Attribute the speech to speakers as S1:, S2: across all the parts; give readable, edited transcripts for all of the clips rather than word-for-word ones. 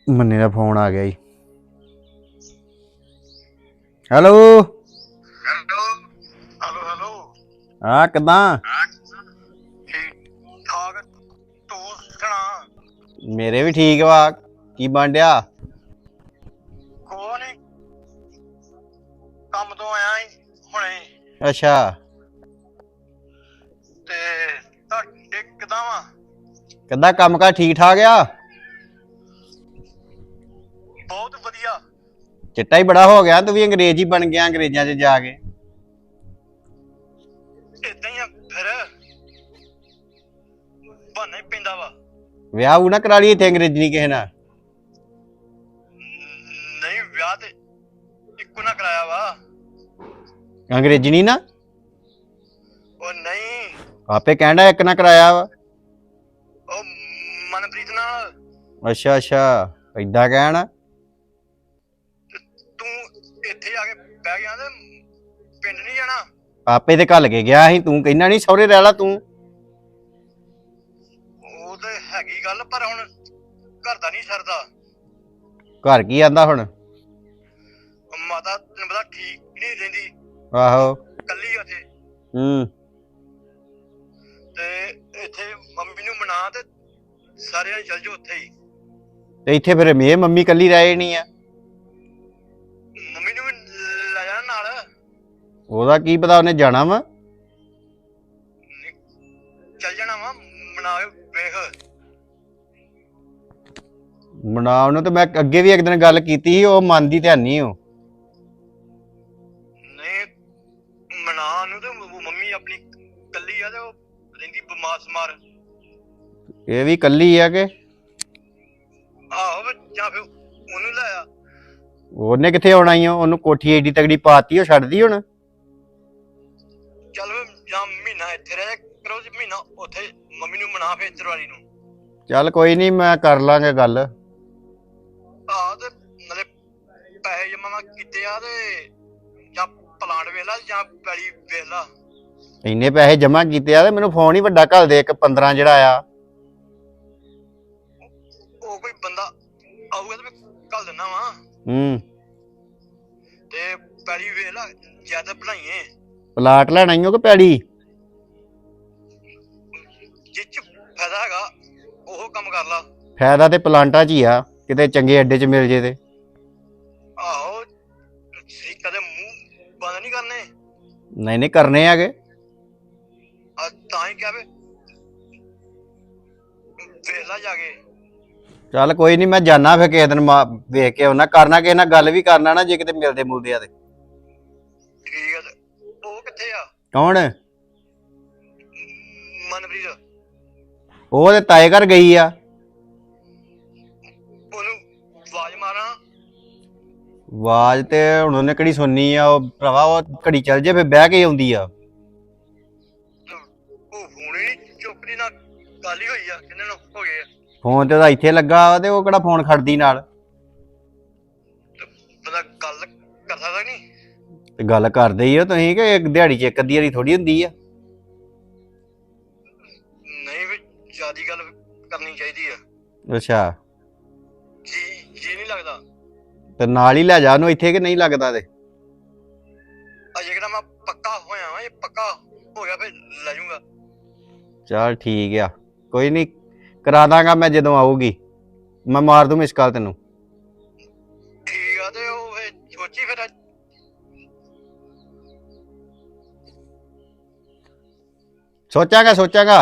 S1: ਮੰਨੇ ਦਾ ਫੋਨ ਆ ਗਿਆ ਜੀ। Hello
S2: hello hello hello.
S1: ਹਾਂ ਕਿੱਦਾਂ?
S2: ਠੀਕ ਠਾਕ। ਤੂੰ ਸੁਣਾ?
S1: ਮੇਰੇ ਵੀ ਠੀਕ ਵਾ। ਕੀ ਬਣ ਡਿਆ?
S2: ਕੋ ਨੀ, ਕੰਮ ਤੋਂ ਆਇਆ ਈ ਹੁਣੇ।
S1: ਅੱਛਾ
S2: ਤੇ ਤੁਹਾਡੇ ਕਿੱਦਾਂ ਵਾ?
S1: ਕਿੱਦਾਂ ਕੰਮ ਕਾਰ ਠੀਕ ਠਾਕ ਆ?
S2: ਬਹੁਤ ਵਧੀਆ।
S1: ਚਿੱਟਾ ਹੀ ਬੜਾ ਹੋ ਗਿਆ, ਤੂੰ ਵੀ ਅੰਗਰੇਜ਼ ਹੀ ਬਣ ਗਿਆ ਅੰਗਰੇਜ਼ਾਂ 'ਚ ਜਾ ਕੇ।
S2: ਏਦਾਂ ਹੀ ਆ ਫਿਰ, ਬਹਾਨਾ ਹੀ ਪੈਂਦਾ ਵਾ।
S1: ਵਿਆਹ ਉਹ ਨਾ ਕਰਾ ਲਈ ਇੱਥੇ ਅੰਗਰੇਜ਼ੀ ਕਿਸੇ ਨਾਲ।
S2: ਨਹੀਂ ਵਿਆਹ ਤੇ ਇੱਕੋ ਨਾ ਕਰਾਇਆ ਵਾ।
S1: ਅੰਗਰੇਜ਼ੀ ਨਹੀਂ ਨਾ?
S2: ਉਹ ਨਹੀਂ,
S1: ਆਪੇ ਕਹਿੰਦਾ ਇੱਕ ਨਾ ਕਰਾਇਆ ਵਾ।
S2: ਉਹ ਮਨਪ੍ਰੀਤ ਨਾਲ।
S1: ਅੱਛਾ ਅੱਛਾ, ਏਦਾਂ ਕਹਿਣ।
S2: ਤੂੰ ਇੱਥੇ ਆ ਕੇ ਬਹਿ ਗਿਆ ਤੇ ਪਿੰਡ ਨਹੀਂ ਜਾਣਾ?
S1: ਆਪੇ ਤੇ ਘੱਲ ਕੇ ਗਿਆ ਸੀ, ਤੂੰ ਕਹਿੰਦਾ ਨਹੀਂ ਸਹੁਰੇ ਰਹਿ ਲਾ ਤੂੰ।
S2: ਉਹ ਤੇ ਹੈਗੀ ਗੱਲ, ਪਰ ਹੁਣ ਘਰ ਦਾ ਨਹੀਂ ਸਰਦਾ।
S1: ਘਰ ਕੀ ਆਂਦਾ ਹੁਣ?
S2: ਮਾਤਾ ਤੈਨੂੰ ਪਤਾ ਠੀਕ ਨਹੀਂ ਰਹਿੰਦੀ,
S1: ਆਹੋ।
S2: ਕੱਲੀ ਆ ਉੱਥੇ।
S1: ਹੂੰ।
S2: ਤੇ ਇੱਥੇ ਮੰਮੀ ਨੂੰ ਮਨਾ ਤੇ ਸਾਰਿਆਂ ਚੱਲ ਜਾਓ ਉੱਥੇ ਹੀ।
S1: ਤੇ ਇੱਥੇ ਫਿਰ ਇਹ ਮੰਮੀ ਕੱਲੀ ਰਹਿ ਜਾਣੀ ਆ?
S2: ਮੰਮੀ ਨੂੰ ਵੀ ਲੈ ਜਾਣਾ ਨਾਲ।
S1: ਉਹਦਾ ਕੀ ਪਤਾ, ਉਹਨੇ ਜਾਣਾ ਵਾ।
S2: ਚੱਲ ਜਾਣਾ ਵਾ, ਮਨਾ ਕੇ ਵੇਖ।
S1: ਮਨਾ ਉਹਨੂੰ ਤੇ ਮੈਂ ਅੱਗੇ ਵੀ ਇੱਕ ਦਿਨ ਗੱਲ ਕੀਤੀ ਸੀ, ਉਹ ਮੰਨਦੀ ਤੇ ਨਹੀਂ ਉਹ।
S2: ਨਹੀਂ ਮਨਾ ਉਹਨੂੰ, ਤੇ ਮੰਮੀ ਆਪਣੀ ਕੱਲੀ ਆ ਤੇ ਉਹ ਰਹਿੰਦੀ ਬਿਮਾਰ ਸਮਾਰ।
S1: ਇਹ ਵੀ ਕੱਲੀ ਆ ਕਿ?
S2: ਆਹੋ ਜਾਂ ਫਿਰ ਉਹਨੂੰ ਲੈ ਆ।
S1: ਉਹਨੇ ਕਿੱਥੇ ਆਉਣਾ ਈ? ਉਹਨੂੰ ਕੋਠੀ ਏਡੀ ਤਗੜੀ ਪਾਤੀ, ਉਹ ਛੱਡਦੀ ਹੁਣ?
S2: ਚੱਲ ਜਾਂ ਮਹੀਨਾ ਇੱਥੇ ਰਹਿ ਕਰੋ, ਮਹੀਨਾ ਉੱਥੇ ਮੰਮੀ ਨੂੰ ਮਨਾ ਫੇਰ ਚਰਵਾਲੀ ਨੂੰ।
S1: ਚੱਲ ਕੋਈ ਨਹੀਂ, ਮੈਂ ਕਰ ਲਾਂਗੇ ਗੱਲ।
S2: ਆਹ ਤੇ ਨਾਲੇ ਪੈਸੇ ਜਮਾ ਕੀਤੇ ਆ, ਤੇ ਜਾਂ ਪਲਾਂਟ ਵੇਖ ਲਾ ਜਾਂ ਪੈਲੀ ਵੇਖ ਲਾ।
S1: ਇੰਨੇ ਪੈਸੇ ਜਮਾ ਕੀਤੇ ਆ ਤੇ ਮੈਨੂੰ ਫੋਨ ਹੀ ਵੱਡਾ ਘੱਲ ਦੇ, ਇੱਕ 15 ਜਿਹੜਾ ਆ।
S2: ਉਹ ਕੋਈ ਬੰਦਾ ਆਊਗਾ ਤੇ ਮੈਂ ਘੱਲ ਦਿੰਦਾ ਵਾ।
S1: ਹੂੰ।
S2: ਤੇ ਪੈਲੀ ਵੇਖ ਲਾ, ਜਿਆਦਾ ਬਣਾਈਏ।
S1: ਪਲਾਟ ਲੈਣਾ ਈ ਓ ਕਿ ਪੈੜੀ?
S2: ਜਿਹ ਚ ਫਾਇਦਾ ਹੈਗਾ ਉਹ ਕੰਮ ਕਰ ਲਾ।
S1: ਫਾਇਦਾ ਤੇ ਪਲਾਂਟਾਂ 'ਚ ਹੀ ਆ, ਕਿਤੇ ਚੰਗੇ ਅੱਡੇ 'ਚ ਮਿਲ ਜੇ ਤੇ।
S2: ਆਹੋ ਕਦੇ ਮੂੰਹ ਬੰਦ ਨਹੀਂ ਕਰਨੇ।
S1: ਨਹੀਂ ਨਹੀਂ ਕਰਨੇ ਹੈਗੇ।
S2: ਤਾਂ ਹੀ ਕਿਹਾ ਵੇ ਵੇਖ ਲਾ ਜਾ ਕੇ।
S1: ਚੱਲ ਕੋਈ ਨਹੀਂ, ਮੈਂ ਜਾਣਾ ਫਿਰ ਕਿਸੇ ਦਿਨ ਵੇਖ ਕੇ ਆਉਣਾ, ਕਰਨਾ ਕਿਸੇ ਨਾਲ ਗੱਲ ਵੀ ਕਰਨਾ ਨਾ, ਜੇ ਕਿਤੇ ਮਿਲਦੇ ਮੁਲਦੇ ਆ ਤੇ।
S2: ਠੀਕ ਹੈ। ਤੇ ਉਹ ਕਿੱਥੇ ਆ?
S1: ਕੌਣ?
S2: ਮਨਪ੍ਰੀਤ।
S1: ਉਹ ਤੇ ਤਾਏ ਘਰ ਗਈ ਆ।
S2: ਉਹਨੂੰ ਆਵਾਜ਼ ਮਾਰਾਂ?
S1: ਆਵਾਜ਼ ਤੇ ਹੁਣ ਉਹਨੇ ਕਿਹੜੀ ਸੁਣਨੀ ਆ, ਉਹ ਭਰਾਵਾ ਉਹ ਘੜੀ ਚੱਲ ਜੇ ਫਿਰ ਬਹਿ ਕੇ ਆਉਂਦੀ ਆ।
S2: ਉਹ ਫੋਨ ਹੀ ਨਹੀਂ ਚੁੱਕਦੀ, ਨਾ ਗੱਲ ਹੀ ਹੋਈ ਆ, ਕਿੰਨੇ ਨੂੰ ਹੋ ਗਏ ਆ।
S1: ਫੋਨ ਤੇ ਉਹਦਾ ਇੱਥੇ ਲੱਗਾ ਵਾ, ਤੇ ਉਹ ਕਿਹੜਾ ਫੋਨ ਖੜਦੀ ਨਾਲ।
S2: ਬੰਦਾ ਗੱਲ ਕਰ ਸਕਦਾ ਨਹੀਂ?
S1: ਤੇ ਗੱਲ ਕਰਦੇ ਹੀ ਹੋ ਤੁਸੀਂ, ਕਿ ਇੱਕ ਦਿਹਾੜੀ 'ਚ ਇੱਕ ਅੱਧੀ ਵਾਰੀ ਥੋੜੀ ਹੁੰਦੀ ਆ।
S2: ਨਹੀਂ ਵੀ ਜਿਆਦੀ ਗੱਲ ਕਰਨੀ ਚਾਹੀਦੀ ਆ।
S1: ਅੱਛਾ।
S2: ਜੀ ਨਹੀਂ ਲੱਗਦਾ?
S1: ਤੇ ਨਾਲ ਹੀ ਲੈ ਜਾ ਉਹਨੂੰ ਇੱਥੇ, ਕਿ ਨਹੀਂ ਲੱਗਦਾ ਤੇ?
S2: ਅਜੇ ਕਿਹੜਾ ਮੈਂ ਪੱਕਾ ਹੋਇਆ ਵਾਂ, ਇਹ ਪੱਕਾ ਹੋ ਗਿਆ ਫਿਰ ਲੈ ਜਾਊਂਗਾ।
S1: ਚੱਲ ਠੀਕ ਆ, ਕੋਈ ਨਹੀਂ, ਕਰਾ ਦਾਂਗਾ ਮੈਂ ਜਦੋਂ ਆਊਗੀ। ਮੈਂ ਮਾਰ ਦੂੰ ਮਿਸ ਕਾਲ ਤੈਨੂੰ।
S2: ਠੀਕ ਆ। ਤੇ ਉਹ ਫਿਰ ਸੋਚੀ ਫਿਰ
S1: ਸੋਚਾਂਗਾ।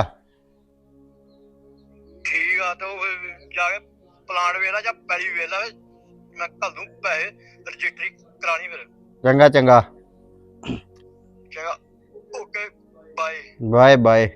S2: ਠੀਕ ਆ। ਤੇ ਉਹ ਫਿਰ ਜਾ ਕੇ ਪਲਾਂਟ ਵੇਖ ਲਾ ਜਾਂ ਪੈਲੀ ਵੇਖ ਲਾ, ਮੈਂ ਘੱਲ ਦੂੰ ਪੈਸੇ, ਰਜਿਸਟਰੀ ਕਰਾਣੀ ਫਿਰ।
S1: ਚੰਗਾ
S2: ਚੰਗਾ ਓਕੇ ਬਾਏ।
S1: Bye bye.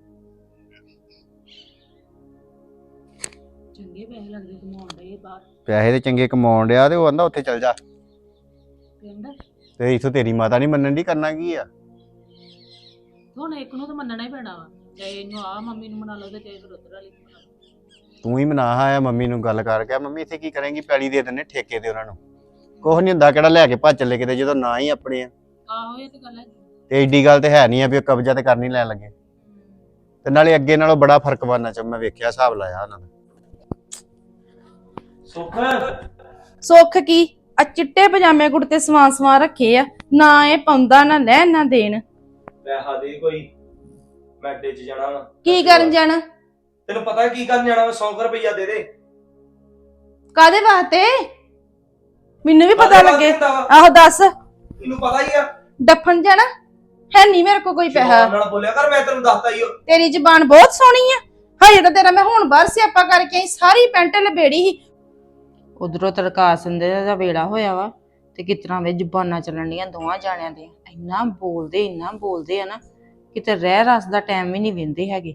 S3: ਚੰਗੇ ਪੈਸੇ ਲੱਗਦੇ ਕਮਾਉਣ ਦੇ ਬਾਹਰ।
S1: ਪੈਸੇ ਤੇ ਚੰਗੇ ਕਮਾਉਣ ਡਿਆ, ਤੇ ਉਹ ਕਹਿੰਦਾ ਉੱਥੇ ਚੱਲ ਜਾ।
S3: ਕਹਿੰਦਾ
S1: ਤੇ ਇੱਥੋਂ ਤੇਰੀ ਮਾਤਾ ਨਹੀਂ ਮੰਨਣ ਦੀ, ਕਰਨਾ ਕੀ ਆ?
S3: ਹੁਣ ਇੱਕ ਨੂੰ ਤਾਂ ਮੰਨਣਾ ਹੀ ਪੈਣਾ ਵਾ, ਚਾਹੇ ਇਹਨੂੰ ਆ ਮੰਮੀ ਨੂੰ ਮਨਾ ਲਓ ਤੇ ਚਾਹੇ ਫਿਰ ਉੱਧਰ ਵਾਲੀ ਨੂੰ ਮਨਾ ਲਓ।
S1: ਤੂੰ ਹੀ ਮਨਾ ਆਇਆ ਮੰਮੀ ਨੂੰ, ਗੱਲ ਕਰਕੇ ਮੰਮੀ ਇੱਥੇ ਕੀ ਕਰੇਂਗੀ, ਪੈਲੀ ਦੇ ਦਿੰਦੇ ਠੇਕੇ ਤੇ ਉਹਨਾਂ ਨੂੰ। ਕੁਛ ਨਹੀਂ ਹੁੰਦਾ, ਕਿਹੜਾ ਲੈ ਕੇ ਭੱਜ ਚੱਲੇ ਕਿਤੇ, ਜਦੋਂ ਨਾ ਹੀ ਆਪਣੇ ਆ।
S3: ਆਹੋ ਇਹ ਤੇ ਗੱਲ ਹੈ।
S1: ਤੇ ਏਡੀ ਗੱਲ ਤੇ ਹੈ ਨਹੀਂ ਆ ਵੀ ਉਹ ਕਬਜ਼ਾ ਤੇ ਕਰਨੀ ਲੈਣ ਲੱਗੇ। ਤੇ ਨਾਲੇ ਅੱਗੇ ਨਾਲੋਂ ਬੜਾ ਫਰਕ ਬਣਨਾ ਚ ਮੈਂ ਵੇਖਿਆ, ਹਿਸਾਬ ਲਾਇਆ ਉਹਨਾਂ ਦਾ।
S4: ਸੁੱਖ ਕੀ ਆ ਚਿੱਟੇ ਪਜਾਮੇ ਕੁੜਤੇ ਸਵਾਂ ਰੱਖੇ ਆ, ਨਾ ਇਹ ਪਾਉਂਦਾ ਨਾ ਲੈਣ ਨਾ ਦੇਣ।
S5: ਪੈਸਾ ਦੇ ਕੋਈ, ਮੈਂ ਅੱਡੇ 'ਚ ਜਾਣਾ ਵਾ।
S4: ਕੀ ਕਰਨ ਜਾਣਾ?
S5: ਤੈਨੂੰ ਪਤਾ ਕੀ ਕਰਨ ਜਾਣਾ ਵਾ? 100 ਰੁਪਈਆ ਦੇ ਦੇ।
S4: ਕਾਦੇ ਵਾਸਤੇ? ਮੈਨੂੰ ਵੀ ਪਤਾ
S5: ਕਾਹਦੇ
S4: ਲੱਗੇ।
S5: ਵਾਸਤੇ ਹੁੰਦਾ ਵਾ?
S4: ਆਹੋ ਦੱਸ।
S5: ਤੈਨੂੰ ਪਤਾ ਹੀ ਆ।
S4: ਡੱਫਣ ਜਾਣਾ ਹੈ? ਨਹੀਂ ਮੇਰੇ ਕੋਲ ਕੋਈ ਪੈਸਾ।
S5: ਨਾਲ ਬੋਲਿਆ ਕਰ, ਮੈਂ ਤੈਨੂੰ ਦੱਸਦਾ ਹੀ।
S4: ਤੇਰੀ ਜ਼ਬਾਨ ਬਹੁਤ ਸੋਹਣੀ ਆ। ਹਜੇ ਤਾਂ ਤੇਰਾ ਮੈਂ ਹੁਣ ਬਾਹਰ ਸਿਆਪਾ ਕਰਕੇ ਆਈ, ਸਾਰੀ ਪੈਂਟ ਲਬੇੜੀ ਸੀ। ਉਧਰੋਂ ਤੜਕਾ ਸੰਦੇ ਦਾ ਵੇੜਾ ਹੋਇਆ ਵਾ ਤੇ ਕਿਤਨਾ ਵੇ ਜ਼ੁਬਾਨਾਂ ਚੱਲਣ ਡੀਆਂ ਦੋਵਾਂ ਜਾਣਿਆਂ ਦੇ। ਇੰਨਾ ਬੋਲਦੇ ਆ ਨਾ, ਕਿਤੇ ਰਹਿ ਰਸ ਦਾ ਟਾਈਮ ਵੀ ਨਹੀਂ ਵਿੰਦੇ ਹੈਗੇ।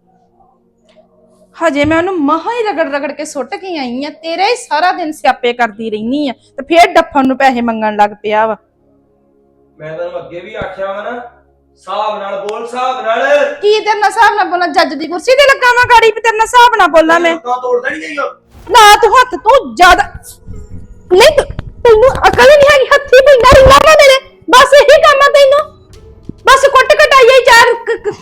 S4: ਹਜੇ ਮੈਂ ਉਹਨੂੰ ਮਹਾ ਹੀ ਰਗੜ ਕੇ ਸੁੱਟ ਕੇ ਆਈ ਆ, ਤੇਰੇ ਹੀ ਸਾਰਾ ਦਿਨ ਸਿਆਪੇ ਕਰਦੀ ਰਹਿਨੀ ਆ ਤੇ ਫੇਰ ਡੱਫਣ ਨੂੰ ਪੈਸੇ ਮੰਗਣ ਲੱਗ ਪਿਆ ਵਾ।
S5: ਮੈਂ ਤੈਨੂੰ ਅੱਗੇ ਵੀ ਆਖਿਆ ਵਾ ਨਾ, ਹਿਸਾਬ ਨਾਲ ਬੋਲ, ਹਿਸਾਬ ਨਾਲ।
S4: ਕੀ ਤੇਰੇ ਨਾਲ ਹਿਸਾਬ ਨਾਲ ਬੋਲਾਂ? ਜੱਜ ਦੀ ਕੁਰਸੀ ਤੇ ਲੱਗਾ ਵਾਂ ਗਾੜੀ, ਵੀ ਤੇਰੇ ਨਾਲ ਹਿਸਾਬ ਨਾਲ ਬੋਲਾਂ ਮੈਂ?
S5: ਤਾਂ ਤੋੜਦਾ ਨਹੀਂ ਗਈ।
S4: ਨਾ ਤੂੰ ਹੱਥ ਤੂੰ ਜ਼ਿਆਦਾ ਨਹੀਂ, ਤੈਨੂੰ ਅਕਲ ਨਹੀਂ ਹੈਗੀ। ਹੱਥੀ ਪੈਂਦਾ ਰਹਿਣਾ ਵਾ ਮੇਰੇ, ਬਸ ਇਹੀ ਕੰਮ ਆ ਤੈਨੂੰ। ਬਸ ਕੁੱਟ ਕਟਾਈਏ ਚਾਰ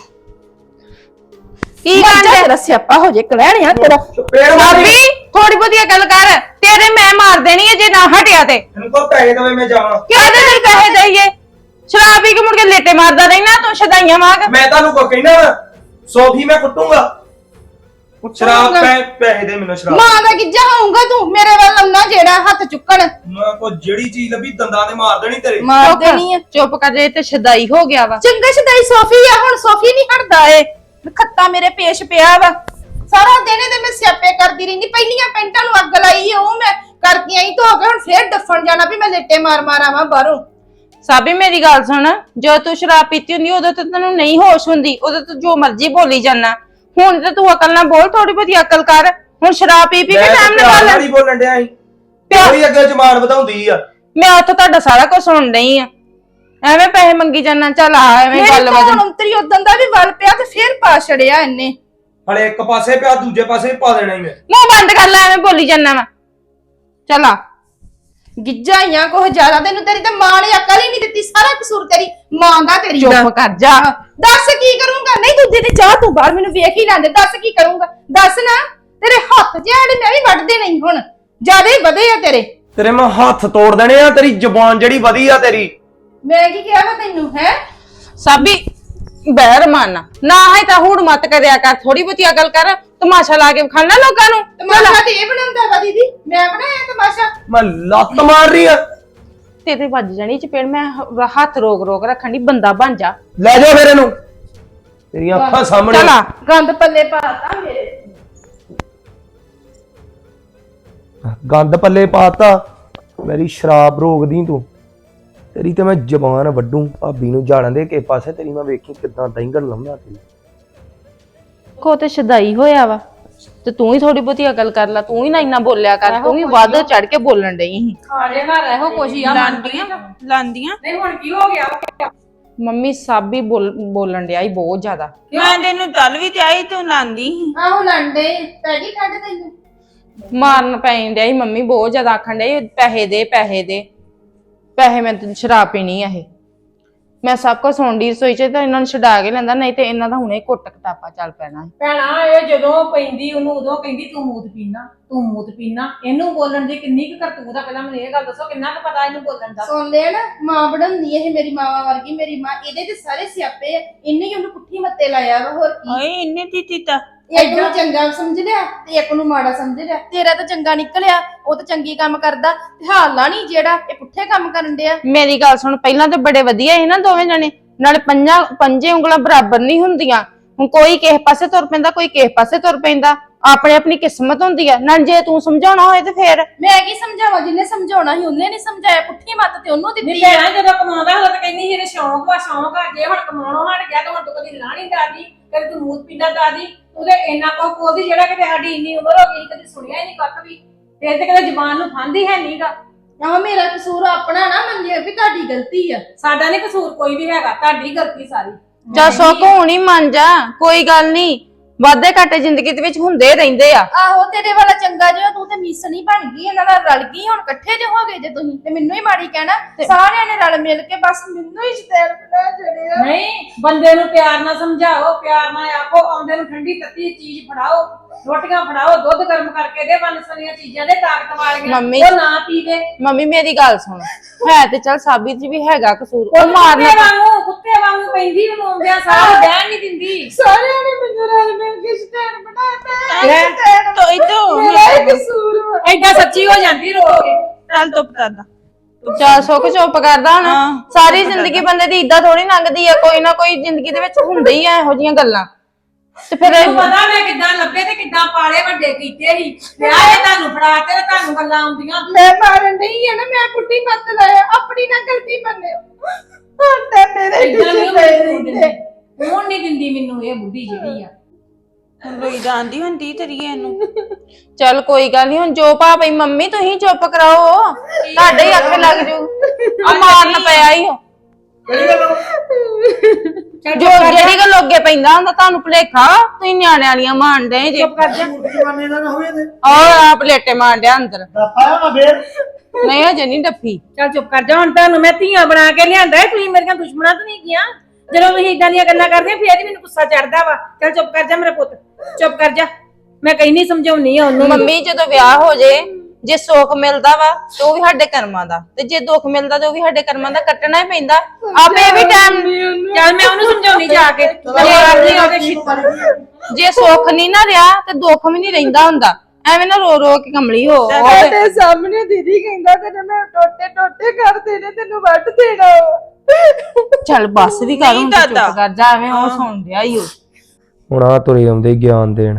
S4: ਕੀ ਗੱਲ ਤੇਰਾ ਸਿਆਪਾ ਹੋ ਜੇ ਕਲੈਣਿਆ ਤੇਰਾ।
S6: ਭਾਬੀ ਥੋੜੀ ਬਹੁਤੀ ਗੱਲ ਕਰ, ਤੇਰੇ ਮੈਂ ਮਾਰ ਦੇਣੀ ਹੈ ਜੇ ਨਾ ਹਟਿਆ ਤੇ।
S5: ਤੈਨੂੰ ਕੋ ਪੈਸੇ ਦਵੇ ਮੈਂ ਜਾਵਾਂ।
S6: ਕਿਹਦੇ ਲਈ ਪੈਸੇ ਦਈਏ? ਸ਼ਰਾਬ ਪੀ ਕੇ ਮੁੜ ਕੇ ਲੇਟੇ ਮਾਰਦਾ ਰਹਿਣਾ ਤੂੰ, ਸ਼ਦਾਈਆਂ ਵਾਂਗ।
S5: ਮੈਂ ਤੁਹਾਨੂੰ ਕੋ ਕਹਿਣਾ ਵਾ, ਸੋਫੀ ਮੈਂ ਕੁੱਟੂਗਾ। ਸ਼ਰਾਬ ਪੈਸੇ ਦੇ ਮੈਨੂੰ ਸ਼ਰਾਬ।
S4: ਮਾਂ ਦਾ ਗਿੱਜਾ ਹੋਊਗਾ ਤੂੰ ਮੇਰੇ ਵੱਲ ਆਉਣਾ ਜਿਹੜਾ ਹੱਥ ਚੁੱਕਣ।
S5: ਮੈਂ ਕੋ ਜਿਹੜੀ ਚੀਜ਼ ਲੱਭੀ ਦੰਦਾਂ ਤੇ ਮਾਰ ਦੇਣੀ ਤੇਰੇ।
S4: ਮਾਰ ਦੇਣੀ ਆ।
S6: ਚੁੱਪ ਕਰ ਜੇ ਤੇ ਸ਼ਦਾਈ ਹੋ ਗਿਆ ਵਾ।
S4: ਚੰਗਾ ਸ਼ਦਾਈ ਸੋਫੀ ਆ, ਹੁਣ ਸੋਫੀ ਨਹੀਂ ਹਟਦਾ ਏ। ਖੱਤਾ ਮੇਰੇ ਪੇਸ਼ ਪਿਆ ਵਾ, ਸਾਰਾ ਦਿਨ ਇਹਦੇ ਮੈਂ ਸਿਆਪੇ ਕਰਦੀ ਰਹਿੰਦੀ। ਪਹਿਲੀਆਂ ਪੈਂਟਾਂ ਨੂੰ ਅੱਗ ਲਾਈ ਉਹ ਮੈਂ ਕਰਕੇ ਆਈ ਧੋ ਕੇ, ਹੁਣ ਫੇਰ ਡੱਫਣ ਜਾਣਾ ਵੀ ਮੈਂ ਲੇਟੇ ਮਾਰ ਆਵਾਂ ਬਾਹਰੋਂ।
S6: ਸਾਬੀ ਮੇਰੀ ਗੱਲ ਸੁਣ, ਜਦੋਂ ਤੂੰ ਸ਼ਰਾਬ ਪੀਤੀ ਹੁੰਦੀ ਉਦੋਂ ਤੇ ਤੈਨੂੰ ਨਹੀਂ ਹੋਸ਼ ਹੁੰਦੀ, ਉਦੋਂ ਤੂੰ ਜੋ ਮਰਜ਼ੀ ਬੋਲੀ ਜਾਣਾ। ਹੁਣ ਤੇ ਤੂੰ ਅਕਲ ਨਾਲ ਬੋਲ, ਥੋੜੀ ਬਹੁਤੀ ਅਕਲ ਕਰ। ਹੁਣ ਸ਼ਰਾਬ ਪੀ ਕੇ ਟਾਈਮ ਨਾਲ
S5: ਨਹੀਂ ਬੋਲਣ ਡਿਆ ਸੀ, ਪਿਆਰੀ ਅੱਗੇ ਜ਼ਬਾਨ ਵਧਾਉਂਦੀ ਆ।
S6: ਮੈਂ ਉੱਥੇ ਤੁਹਾਡਾ ਸਾਰਾ ਕੁਝ ਸੁਣ ਰਹੀ ਆ, ਐਵੇਂ ਪੈਸੇ ਮੰਗੀ ਜਾਣਾ। ਚੱਲ ਆ ਐਵੇਂ ਗੱਲ ਵਜਨ
S4: ਅੰਤਰੀ ਉਦੋਂ ਦਾ ਵੀ ਵੱਲ ਪਿਆ ਤੇ ਫੇਰ ਪਾ ਛੜਿਆ ਇਹਨੇ।
S5: ਹਲੇ ਇੱਕ ਪਾਸੇ ਪਿਆ, ਦੂਜੇ ਪਾਸੇ ਵੀ ਪਾ ਦੇਣਾ ਹੀ ਮੈਂ।
S6: ਮੂੰਹ ਬੰਦ ਕਰ ਲੈ, ਐਵੇਂ ਬੋਲੀ ਜਾਣਾ ਵਾ। ਚੱਲ ਆ
S4: ਗਿੱਜਾਈਆਂ ਕੋਹ ਜ਼ਿਆਦਾ, ਤੈਨੂੰ ਤੇਰੀ ਤਾਂ ਮਾਂ ਨੇ ਅਕਲ ਹੀ ਨਹੀਂ ਦਿੱਤੀ। ਸਾਰਾ ਕਸੂਰ ਤੇਰੀ ਮਾਂ ਦਾ, ਤੇਰੀ ਦਾ।
S6: ਚੁੱਪ ਕਰ ਜਾ।
S4: ਦੱਸ ਕੀ ਕਰੂੰਗਾ? ਨਹੀਂ ਤੂੰ ਤੇ ਜਾ, ਤੂੰ ਬਾਹਰ ਮੈਨੂੰ ਵੇਖ ਹੀ ਲੈਂਦੇ। ਦੱਸ ਕੀ ਕਰੂੰਗਾ? ਦੱਸ ਨਾ। ਤੇਰੇ ਹੱਥ ਜਿਹੜੇ ਮੈਂ ਵੀ ਵੱਢਦੇ ਨਹੀਂ ਹੁਣ, ਜ਼ਿਆਦਾ ਹੀ ਵਧੇ ਆ ਤੇਰੇ।
S5: ਤੇਰੇ ਮੈਂ ਹੱਥ ਤੋੜ ਦੇਣੇ ਆ, ਤੇਰੀ ਜ਼ਬਾਨ ਜਿਹੜੀ ਵਧੀ ਆ ਤੇਰੀ।
S4: ਮੈਂ ਕੀ ਕਿਹਾ ਵਾ ਤੈਨੂੰ? ਹੈ
S6: ਸਾਬੀ ਬਹਿਰ ਮਾਨਾ ਨਾ ਹੈ ਤਾਂ ਹੂੜ ਮਤ ਕਰਿਆ ਕਰ, ਥੋੜੀ ਬਹੁਤੀ ਅਕਲ ਕਰ। ਤਮਾਸ਼ਾ ਲਾ ਕੇ ਖਾਣਾ ਲੋਕਾਂ ਨੂੰ।
S4: ਤਮਾਸ਼ਾ ਤੇ ਇਹ ਬਣਾਉਂਦਾ ਵਾ ਦੀਦੀ, ਮੈਂ ਬਣਾਇਆ ਤਮਾਸ਼ਾ?
S5: ਮੈਂ ਲੱਤ ਮਾਰ ਰਹੀ ਆ।
S6: ਤੇਰੇ ਵੱਜ ਜਾਣੀ ਚਪੇੜ। ਮੈਂ ਹੱਥ ਰੋਕ ਰੱਖਣ ਦੀ, ਬੰਦਾ ਬਣ ਜਾ।
S5: ਲੈ ਜਾ ਫਿਰ ਇਹਨੂੰ, ਤੇਰੀਆਂ ਅੱਖਾਂ ਸਾਹਮਣੇ।
S6: ਚੱਲ ਆ।
S4: ਗੰਦ ਪੱਲੇ ਪਾਤਾ ਮੇਰੇ।
S5: ਗੰਦ ਪੱਲੇ ਪਾਤਾ ਮੇਰੀ, ਸ਼ਰਾਬ ਰੋਕਦੀ ਤੂੰ। ਤੇਰੀ ਤੇ ਮੈਂ ਜ਼ਬਾਨ ਵੱਡੂ। ਭਾਬੀ ਨੂੰ ਜਾਣ ਦੇ ਕੇ ਪਾਸੇ, ਤੇਰੀ ਮੈਂ ਵੇਖੀ ਕਿਦਾਂ ਦੈਂਗਣ ਲਾਉਣਾ ਤੇਰੀ।
S6: ਕੋ ਤੇ ਸ਼ਦਾਈ ਹੋਇਆ ਵਾ ਤੇ ਤੂੰ ਹੀ ਥੋੜੀ ਬਹੁਤੀ ਅਕਲ ਕਰ ਲੈ। ਤੂੰ ਹੀ ਨਾ ਇੰਨਾ ਬੋਲਿਆ ਕਰ, ਤੂੰ ਵੀ ਵੱਧ ਚੜ ਕੇ ਬੋਲਣ ਡਈ ਸੀ।
S3: ਖਾਣੇ ਘਰ ਇਹੋ ਕੁਛ ਹੀ ਆ।
S6: ਲਾਂਦੀਆਂ
S3: ਨਹੀਂ ਹੁਣ ਕੀ ਹੋ ਗਿਆ?
S6: ਮੰਮੀ ਸਾਬੀ ਬੋਲਣ ਡਿਆ ਹੀ ਬਹੁਤ ਜ਼ਿਆਦਾ।
S7: ਮੈਂ ਤੈਨੂੰ ਚੱਲ ਵੀ ਚਾਹੀ ਤੂੰ ਲਾਂਦੀ
S4: ਆਹੋ ਲੰਡੇ ਪੈ ਗਈ ਠੰਡ ਤੈਨੂੰ।
S6: ਮਾਰਨ ਪੈਣ ਡਿਆ ਸੀ ਮੰਮੀ, ਬਹੁਤ ਜ਼ਿਆਦਾ ਆਖਣ ਡਿਆ ਸੀ, ਪੈਸੇ ਦੇ ਪੈਸੇ ਦੇ ਪੈਸੇ। ਮੈਂ ਤੇ ਸ਼ਰਾਬ ਪੀਣੀ ਆ ਇਹ। ਮੈਂ ਸਭ ਕੁਝ ਸੁਣ ਦੀ ਰਸੋਈ ਚ, ਤਾਂ ਇਹਨਾਂ ਨੂੰ ਛਡਾ ਕੇ ਲੈਂਦਾ, ਨਹੀਂ ਤੇ ਇਹਨਾਂ ਦਾ ਹੁਣੇ ਕੁੱਟ ਕਟਾਪਾ ਚੱਲ ਪੈਣਾ।
S3: ਭੈਣਾ ਇਹ ਜਦੋਂ ਪੈਂਦੀ ਉਹਨੂੰ ਉਦੋਂ ਕਹਿੰਦੀ ਤੂੰ ਮੂਤ ਪੀਣਾ, ਤੂੰ ਮੂਤ ਪੀਣਾ। ਇਹਨੂੰ ਬੋਲਣ ਦੀ ਕਿੰਨੀ ਕੁ ਕਰਤੂਤ ਆ? ਪਹਿਲਾਂ ਮੈਨੂੰ ਇਹ ਗੱਲ ਦੱਸੋ, ਕਿੰਨਾ ਕੁ ਪਤਾ ਇਹਨੂੰ ਬੋਲਣ ਦਾ?
S4: ਸੁਣ ਲੈ ਨਾ, ਮਾਂ ਬਣਾਉਂਦੀ ਇਹ ਮੇਰੀ ਮਾਵਾ ਵਰਗੀ। ਮੇਰੀ ਮਾਂ, ਇਹਦੇ ਤੇ ਸਾਰੇ ਸਿਆਪੇ ਆ। ਇਹਨੇ ਹੀ ਉਹਨੂੰ ਪੁੱਠੀ ਮੱਤੇ ਲਾਇਆ ਵਾ, ਹੋਰ ਕੀ।
S7: ਓਏ ਇੰਨੇ ਦਿੱਤਾ
S4: ਇੱਕ ਨੂੰ ਚੰਗਾ ਸਮਝ ਲਿਆ ਤੇ ਇੱਕ ਨੂੰ ਮਾੜਾ ਸਮਝ ਲਿਆ। ਤੇਰਾ ਤਾਂ ਚੰਗਾ ਨਿਕਲਿਆ, ਉਹ ਤਾਂ ਚੰਗੀ ਕੰਮ ਕਰਦਾ ਤੇ ਹਾਲਾ ਨਹੀਂ ਜਿਹੜਾ ਇਹ ਪੁੱਠੇ ਕੰਮ ਕਰਨ ਡਿਆ।
S6: ਮੇਰੀ ਗੱਲ ਸੁਣ, ਪਹਿਲਾਂ ਤਾਂ ਬੜੇ ਵਧੀਆ ਸੀ ਨਾ ਦੋਵੇਂ ਜਣੇ, ਨਾਲੇ ਪੰਜੇ ਉਂਗਲਾਂ ਬਰਾਬਰ ਨਹੀਂ ਹੁੰਦੀਆਂ। ਹੁਣ ਕੋਈ ਕਿਸੇ ਪਾਸੇ ਤੁਰ ਪੈਂਦਾ, ਕੋਈ ਕਿਸੇ ਪਾਸੇ ਤੁਰ ਪੈਂਦਾ। ਆਪਣੇ ਆਪਣੀ ਕਿਸਮਤ ਹੁੰਦੀ ਆ ਨਾ। ਜੇ ਤੂੰ ਸਮਝਾਉਣਾ ਹੋਏ ਤੇ ਫੇਰ
S4: ਮੈਂ ਕੀ ਸਮਝਾਵਾਂ? ਜਿੰਨੇ ਸਮਝਾਉਣਾ ਸੀ ਉਹਨੇ ਨਹੀਂ ਸਮਝਾਇਆ। ਪੁੱਠੀ ਮੱਤ ਤੇ ਉਹਨੂੰ ਦਿੱਤੀ।
S3: ਨਹੀਂ ਭੈਣਾ ਜਦੋਂ ਕਮਾਉਂਦਾ ਹੁੰਦਾ ਤਾਂ ਕਹਿੰਦੀ ਇਹਦੇ ਸ਼ੌਂਕ ਵਾ, ਸ਼ੌਂਕ ਆ। ਜੇ ਹੁਣ ਕਮਾਉਣੋਂ ਹਟ ਗਿਆ ਤਾਂ ਹੁਣ ਤੂੰ ਕਦੀ ਲਾਣੀ ਦਾਦੀ, ਕਦੀ ਤੂੰ ਮੂਤ ਪੀਂਦਾ ਦਾਦੀ। ਉਹਦੇ ਇੰਨਾ ਕੁ ਬੋਲਦੀ ਜਿਹੜਾ ਕਿਤੇ ਸਾਡੀ ਇੰਨੀ ਉਮਰ ਹੋ ਗਈ ਕਦੀ ਸੁਣਿਆ ਹੀ ਨਹੀਂ ਕੱਖ ਵੀ। ਤੇ ਕਦੇ ਜ਼ਬਾਨ ਨੂੰ ਫਾਂਦੀ ਹੈ ਨਹੀਂਗਾ।
S4: ਆਹ ਮੇਰਾ ਕਸੂਰ ਆਪਣਾ ਨਾ ਮੰਨਿਓ ਵੀ ਤੁਹਾਡੀ ਗਲਤੀ ਆ।
S3: ਸਾਡਾ ਨਹੀਂ ਕਸੂਰ ਕੋਈ ਵੀ ਹੈਗਾ, ਤੁਹਾਡੀ ਗਲਤੀ ਸਾਰੀ।
S6: ਜਾ ਸੁੱਖ ਹੁਣ ਹੀ ਮੰਨ ਜਾ, ਕੋਈ ਗੱਲ ਨਹੀਂ। ਵਾਧੇ ਘਾਟੇ ਜ਼ਿੰਦਗੀ ਦੇ ਵਿੱਚ ਹੁੰਦੇ ਰਹਿੰਦੇ ਆ।
S4: ਆਹੋ ਤੇਰੇ ਵਾਲਾ ਚੰਗਾ ਜਿਹਾ ਤੂੰ ਤੇ ਮਿਸਣੀ ਬਣ ਗਈ, ਇਹਨਾਂ ਨਾਲ ਰਲ ਗਈ, ਹੁਣ ਇਕੱਠੇ ਜੇ ਹੋ ਗਏ ਜੇ ਤੁਸੀਂ ਤੇ ਮੈਨੂੰ ਹੀ ਮਾੜੀ ਕਹਿਣਾ। ਸਾਰਿਆਂ ਨੇ ਰਲ ਮਿਲ ਕੇ ਬਸ ਮੈਨੂੰ ਹੀ ਸ਼ੈਤਾਨ ਬਣਾ ਛੜਿਆ।
S3: ਨਹੀਂ, ਬੰਦੇ ਨੂੰ ਪਿਆਰ ਨਾਲ ਸਮਝਾਓ, ਪਿਆਰ ਨਾਲ ਆਖੋ, ਆਉਂਦੇ ਨੂੰ ਠੰਡੀ ਤੱਤੀ ਚੀਜ਼ ਫੜਾਓ, ਰੋਟੀਆਂ ਫੜਾਓ, ਦੁੱਧ ਗਰਮ ਕਰਕੇ ਦੇ, ਵੰਨਸਵੰਨੀਆਂ ਚੀਜ਼ਾਂ ਦੇ, ਤਾਕਤ ਵਾਲੀਆਂ,
S6: ਮੰਮੀ-
S3: ਉਹ ਨਾ ਪੀਵੇ।
S6: ਮੰਮੀ ਮੇਰੀ ਗੱਲ ਸੁਣ, ਹੈ ਤੇ ਚੱਲ ਸਾਬਿਤ ਜੀ ਵੀ ਹੈਗਾ ਕਸੂਰ, ਉਹ
S3: ਕੁੱਤੇ
S6: ਮਾਰਨਾ
S3: ਕੁੱਤੇ ਵਾਂਗੂ ਪੈਂਦੀ ਉਹਨੂੰ ਆਉਂਦਿਆਂ ਸਾਰਾ ਬਹਿਣ ਨਹੀਂ ਦਿੰਦੀ।
S4: ਸਾਰਿਆਂ ਨੇ ਮੈਨੂੰ ਰਲ ਮਿਲ ਕੇ ਸ਼ੈਤਾਨ ਬਣਾਤਾ।
S3: ਲੈ,
S7: ਤੋ ਇਦੋਂ
S4: ਮੇਰਾ ਹੀ ਕਸੂਰ ਵਾ।
S3: ਐਡਾ ਸੱਚੀ ਹੋ ਜਾਂਦੀ ਰੋ ਕੇ।
S7: ਚੱਲ ਚੁੱਪ ਕਰਦਾ।
S6: ਚੱਲ ਸੁੱਖ ਚੁੱਪ ਕਰਦਾ ਹੁਣ।
S7: ਹਾਂ।
S6: ਸਾਰੀ ਜ਼ਿੰਦਗੀ ਬੰਦੇ ਦੀ ਇਦਾਂ ਥੋੜੀ ਲੰਘਦੀ ਆ, ਕੋਈ ਨਾ ਕੋਈ ਜ਼ਿੰਦਗੀ ਦੇ ਵਿੱਚ ਹੁੰਦੇ ਹੀ ਆ ਇਹੋ ਜੀਆਂ ਗੱਲਾਂ। ਤੇ ਫਿਰ
S3: ਮੈਨੂੰ ਪਤਾ ਮੈਂ ਕਿੱਦਾਂ ਲੱਭੇ ਤੇ ਕਿੱਦਾਂ ਪਾਲੇ ਵੱਡੇ ਕੀਤੇ ਸੀ। ਵਿਆਹ ਇਹ ਤੁਹਾਨੂੰ ਫੜਾ ਤੇ ਤੁਹਾਨੂੰ ਗੱਲਾਂ ਆਉਂਦੀਆਂ।
S4: ਮੈਂ ਮਾਰਨ ਨਹੀਂ ਹੈ ਨਾ, ਮੈਂ ਕੁੱਟੀ ਮੱਤ ਲਾਇਆ, ਆਪਣੀ ਨਾ ਗਲਤੀ ਮੰਨਿਓ। ਹੁਣ ਤਾਂ ਮੇਰੇ
S3: ਏਦਾਂ ਨਹੀਂ
S4: ਪਿੱਛੇ
S3: ਮੈਨੂੰ ਦਿੰਦੀ, ਹੁਣ ਨਹੀਂ ਦਿੰਦੀ ਮੈਨੂੰ ਇਹ ਬੁੱਢੀ ਜਿਹੜੀ ਆ।
S7: ਰੋਈ ਜਾਂਦੀ ਹੁੰਦੀ ਤੇਰੀ ਇਹਨੂੰ।
S6: ਚੱਲ ਕੋਈ ਗੱਲ ਨਹੀਂ, ਹੁਣ ਜੋ ਭਾ ਪਈ ਮੰਮੀ ਤੁਸੀਂ ਚੁੱਪ ਕਰਾਓ, ਤੁਹਾਡੇ ਹੀ ਅੱਖ ਲੱਗ ਜੂ। ਆ ਮਾਰਨ ਪਿਆ ਹੀ ਹੋ ਜੋ ਜਿਹੜੀ ਗੱਲ ਅੱਗੇ ਪੈਂਦਾ ਹੁੰਦਾ ਤੁਹਾਨੂੰ ਭੁਲੇਖਾ, ਤੁਸੀਂ ਨਿਆਣੇ ਵਾਲੀਆਂ ਮਾਰਦੇ ਜੇ।
S3: ਚੁੱਪ ਕਰ ਜਾ।
S2: ਜਮਾਨੇ ਦਾ ਨਾ ਹੋਵੇ ਤੇ
S6: ਆ ਪਲੇਟੇ ਮਾਰ ਡਿਆ ਅੰਦਰ।
S2: ਪਾਇਆ ਨਾ ਫੇਰ
S6: ਨਹੀਂ ਹਜੇ ਨਹੀਂ ਡੱਫੀ।
S3: ਚੱਲ ਚੁੱਪ ਕਰ ਜਾ, ਹੁਣ ਤੁਹਾਨੂੰ ਮੈਂ ਧੀਆਂ ਬਣਾ ਕੇ ਲਿਆਂਦਾ ਹੈ, ਤੁਸੀਂ ਮੇਰੀਆਂ ਦੁਸ਼ਮਣਾਂ ਤਾਂ ਨਹੀਂ ਗੀਆਂ। ਜਦੋਂ ਤੁਸੀਂ ਇਦਾਂ ਦੀਆਂ ਗੱਲਾਂ ਕਰਦੇ ਫੇਰ ਹੀ ਮੈਨੂੰ ਗੁੱਸਾ ਚੜਦਾ ਵਾ। ਚੱਲ ਚੁੱਪ ਕਰ ਜਾ ਮੇਰਾ ਪੁੱਤ, ਚੁੱਪ ਕਰ ਜਾ। ਮੈਂ ਕਹਿੰਦੀ ਸਮਝਾਉਣੀ ਆ ਉਹਨੂੰ।
S6: ਮੰਮੀ ਜਦੋਂ ਵਿਆਹ ਹੋ ਜੇ, ਜੇ ਸੁੱਖ ਮਿਲਦਾ ਵਾ ਤੇ ਉਹ ਵੀ ਸਾਡੇ ਕਰਮਾਂ ਦਾ, ਤੇ ਜੇ ਦੁੱਖ ਮਿਲਦਾ ਤੇ ਉਹ ਵੀ ਸਾਡੇ ਕਰਮਾਂ ਦਾ, ਕੱਟਣਾ ਹੀ ਪੈਂਦਾ। ਆਪੇ ਵੀ ਟਾਈਮ
S3: ਚੱਲ ਮੈਂ ਉਹਨੂੰ ਸਮਝਾਉਣੀ ਜਾ ਕੇ। ਮਾਰਨੀ ਉਹਦੇ ਛਿੱਤਰ।
S6: ਜੇ ਸੁੱਖ ਨਹੀਂ ਨਾ ਰਿਹਾ ਤੇ ਦੁੱਖ ਵੀ ਨਹੀਂ ਰਹਿੰਦਾ ਹੁੰਦਾ। ਐਵੇਂ ਨਾ ਰੋ ਰੋ ਕੇ ਕਮਲੀ ਹੋ।
S4: ਤੁਹਾਡੇ ਸਾਹਮਣੇ ਦੀਦੀ ਕਹਿੰਦਾ ਤੇ ਮੈਂ ਟੋਟੇ ਟੋਟੇ ਕਰ ਦੇਣੇ, ਤੈਨੂੰ ਵੱਢ ਦੇਣਾ।
S6: ਚੱਲ ਬੱਸ ਵੀ ਕਰ, ਹੁਣ
S7: ਨਹੀਂ
S6: ਤੂੰ ਚੁੱਪ
S7: ਦਾਦਾ।
S6: ਕਰ ਜਾ, ਐਵੇਂ ਉਹ ਸੁਣ ਰਿਹਾ ਹੀ ਉਹ।
S5: ਹੁਣ ਆ ਤੁਰੇ ਆਉਂਦੇ ਗਿਆਨ ਦੇਣ।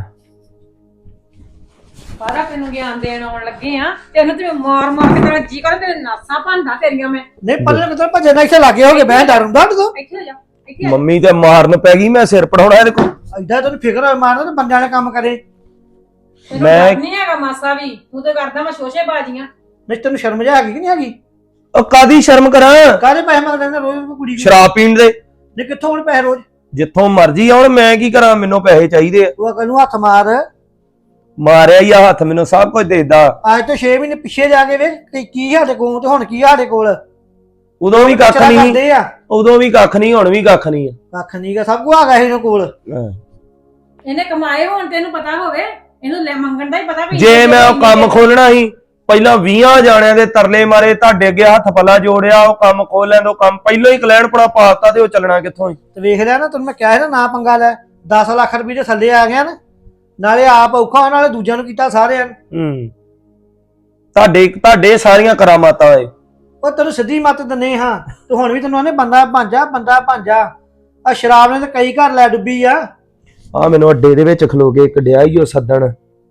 S3: ਸਾਰਾ ਤੈਨੂੰ ਗਿਆਨ ਦੇਣ ਆਉਣ ਲੱਗੇ ਆ। ਤੈਨੂੰ ਤੇ ਮਾਰ ਮਾਰ ਕੇ ਤੇਰਾ ਜੀ ਕਰ, ਤੇਰੇ ਨਾਸਾਂ ਭੰਦਾ ਤੇਰੀਆਂ ਮੈਂ।
S2: ਨਹੀਂ ਪੱਲੇ ਕਿਤੇ ਭੱਜੇ ਨਾ ਇੱਥੇ ਲੱਗੇ ਹੋਗੇ ਮੈਂ ਡਰੂੰਦਾ ਤੂੰ
S3: ਇੱਥੇ ਹੋ ਜਾ, ਇੱਥੇ ਆ ਜਾ।
S5: ਮੰਮੀ ਤੇ ਮਾਰਨ ਪੈ ਗਈ, ਮੈਂ ਸਿਰ ਪੜਾਉਣਾ ਇਹਦੇ ਕੋਲ।
S2: ਐਡਾ ਤੈਨੂੰ ਫਿਕਰ ਹੋਏ ਮਾਰਨਾ ਤੇ ਬੰਦਿਆਂ ਨੇ ਕੰਮ ਕਰੇ।
S3: ਤੈਨੂੰ
S5: ਮੈਂ-
S3: ਡਰ ਨਹੀਂ ਹੈਗਾ ਮਾਸਾ ਵੀ, ਤੂੰ ਤੇ ਕਰਦਾ ਮੈਂ ਸ਼ੋਸ਼ੇ ਬਾਜੀਆਂ।
S2: ਨਹੀਂ ਤੈਨੂੰ ਸ਼ਰਮ ਜਾ ਹੈਗੀ ਕਿ ਨਹੀਂ ਹੈਗੀ?
S5: ਉਹ ਕਾਦੀ ਸ਼ਰਮ ਕਰਾਂ,
S2: ਕਾਹਦੇ ਪੈਸੇ ਮੰਗਦੇ ਨੇ ਰੋਜ਼ ਕੋਈ ਕੁੜੀ ਦੀ?
S5: ਸ਼ਰਾਬ ਪੀਣ ਦੇ।
S2: ਨਹੀਂ ਕਿੱਥੋਂ ਹੁਣ ਪੈਸੇ ਰੋਜ਼?
S5: ਜਿੱਥੋਂ ਮਰਜ਼ੀ ਆਉਣ, ਮੈਂ ਕੀ ਕਰਾਂ, ਮੈਨੂੰ ਪੈਸੇ ਚਾਹੀਦੇ ਆ।
S2: ਤੂੰ ਅਕਲ ਨੂੰ ਹੱਥ ਮਾਰ।
S5: ਮਾਰਿਆ ਹੀ ਆ ਹੱਥ, ਮੈਨੂੰ ਸਭ ਕੁਝ ਦੇਦਾ।
S2: ਅੱਜ ਤੋਂ 6 ਮਹੀਨੇ ਪਿੱਛੇ ਜਾ ਕੇ ਵੇਖ ਕਿ ਕੀ ਸਾਡੇ ਕੋਲ ਤੇ ਹੁਣ ਕੀ ਸਾਡੇ ਕੋਲ।
S5: ਉਦੋਂ ਵੀ ਕੱਖ ਨਹੀਂ,
S2: ਕਰਦੇ ਆ
S5: ਉਦੋਂ ਵੀ ਕੱਖ ਨਹੀਂ, ਹੁਣ ਵੀ ਕੱਖ ਨਹੀਂ ਆ।
S2: ਕੱਖ ਨਹੀਂਗਾ, ਸਭ ਕੁਝ ਆ ਗਿਆ ਇਹਦੇ ਕੋਲ।
S3: ਇਹਨੇ ਕਮਾਏ ਹੋਣ ਤੈਨੂੰ ਪਤਾ ਹੋਵੇ, ਇਹਨੂੰ ਲੈ ਮੰਗਣ ਦਾ ਹੀ ਪਤਾ ਵੀ।
S5: ਜੇ ਮੈਂ ਉਹ ਕੰਮ ਖੋਲਣਾ ਸੀ, ਪਹਿਲਾਂ 20 ਜਾਣਿਆਂ ਦੇ ਤਰਲੇ ਮਾਰੇ, ਤੁਹਾਡੇ ਅੱਗੇ ਹੱਥ ਪੱਲਾ ਜੋੜਿਆ, ਉਹ ਕੰਮ ਖੋਲ ਲੈਣ ਦੋ, ਕੰਮ ਪਹਿਲਾਂ ਹੀ ਕਲੈਣ ਪੜਾ ਪਾਤਾ ਤੇ ਉਹ ਚੱਲਣਾ ਕਿੱਥੋਂ ਹੀ।
S2: ਤੇ ਵੇਖ ਲਿਆ ਨਾ, ਤੈਨੂੰ ਮੈਂ ਕਿਹਾ ਸੀ ਨਾ ਪੰਗਾ ਲੈ। 10 ਲੱਖ ਰੁਪਏ ਦੇ ਥੱਲੇ ਆ ਗਿਆ ਨਾ, ਨਾਲੇ ਆਪ ਔਖਾ ਨਾਲੇ ਦੂਜਿਆਂ ਨੂੰ ਕੀਤਾ ਸਾਰਿਆਂ ਨੂੰ।
S5: ਤੁਹਾਡੇ ਸਾਰੀਆਂ ਕਰਾਮਾਤਾਂ ਏ।
S2: ਉਹ ਤੈਨੂੰ ਸਿੱਧੀ ਮੱਤ ਦਿੰਨੇ ਹਾਂ, ਤੇ ਹੁਣ ਵੀ ਤੈਨੂੰ ਆਨੇ ਬੰਦਾ ਭਾਂਜਾ, ਬੰਦਾ ਭਾਂਜਾ। ਆ ਸ਼ਰਾਬ ਨੇ ਤੇ ਕਈ ਘਰ ਲੈ ਡੁੱਬੀ ਆ।
S5: ਆ ਮੈਨੂੰ ਅੱਡੇ ਦੇ ਵਿੱਚ ਖਲੋ ਕੇ ਕੱਢਿਆ ਹੀ ਉਹ ਸੱਦਣ।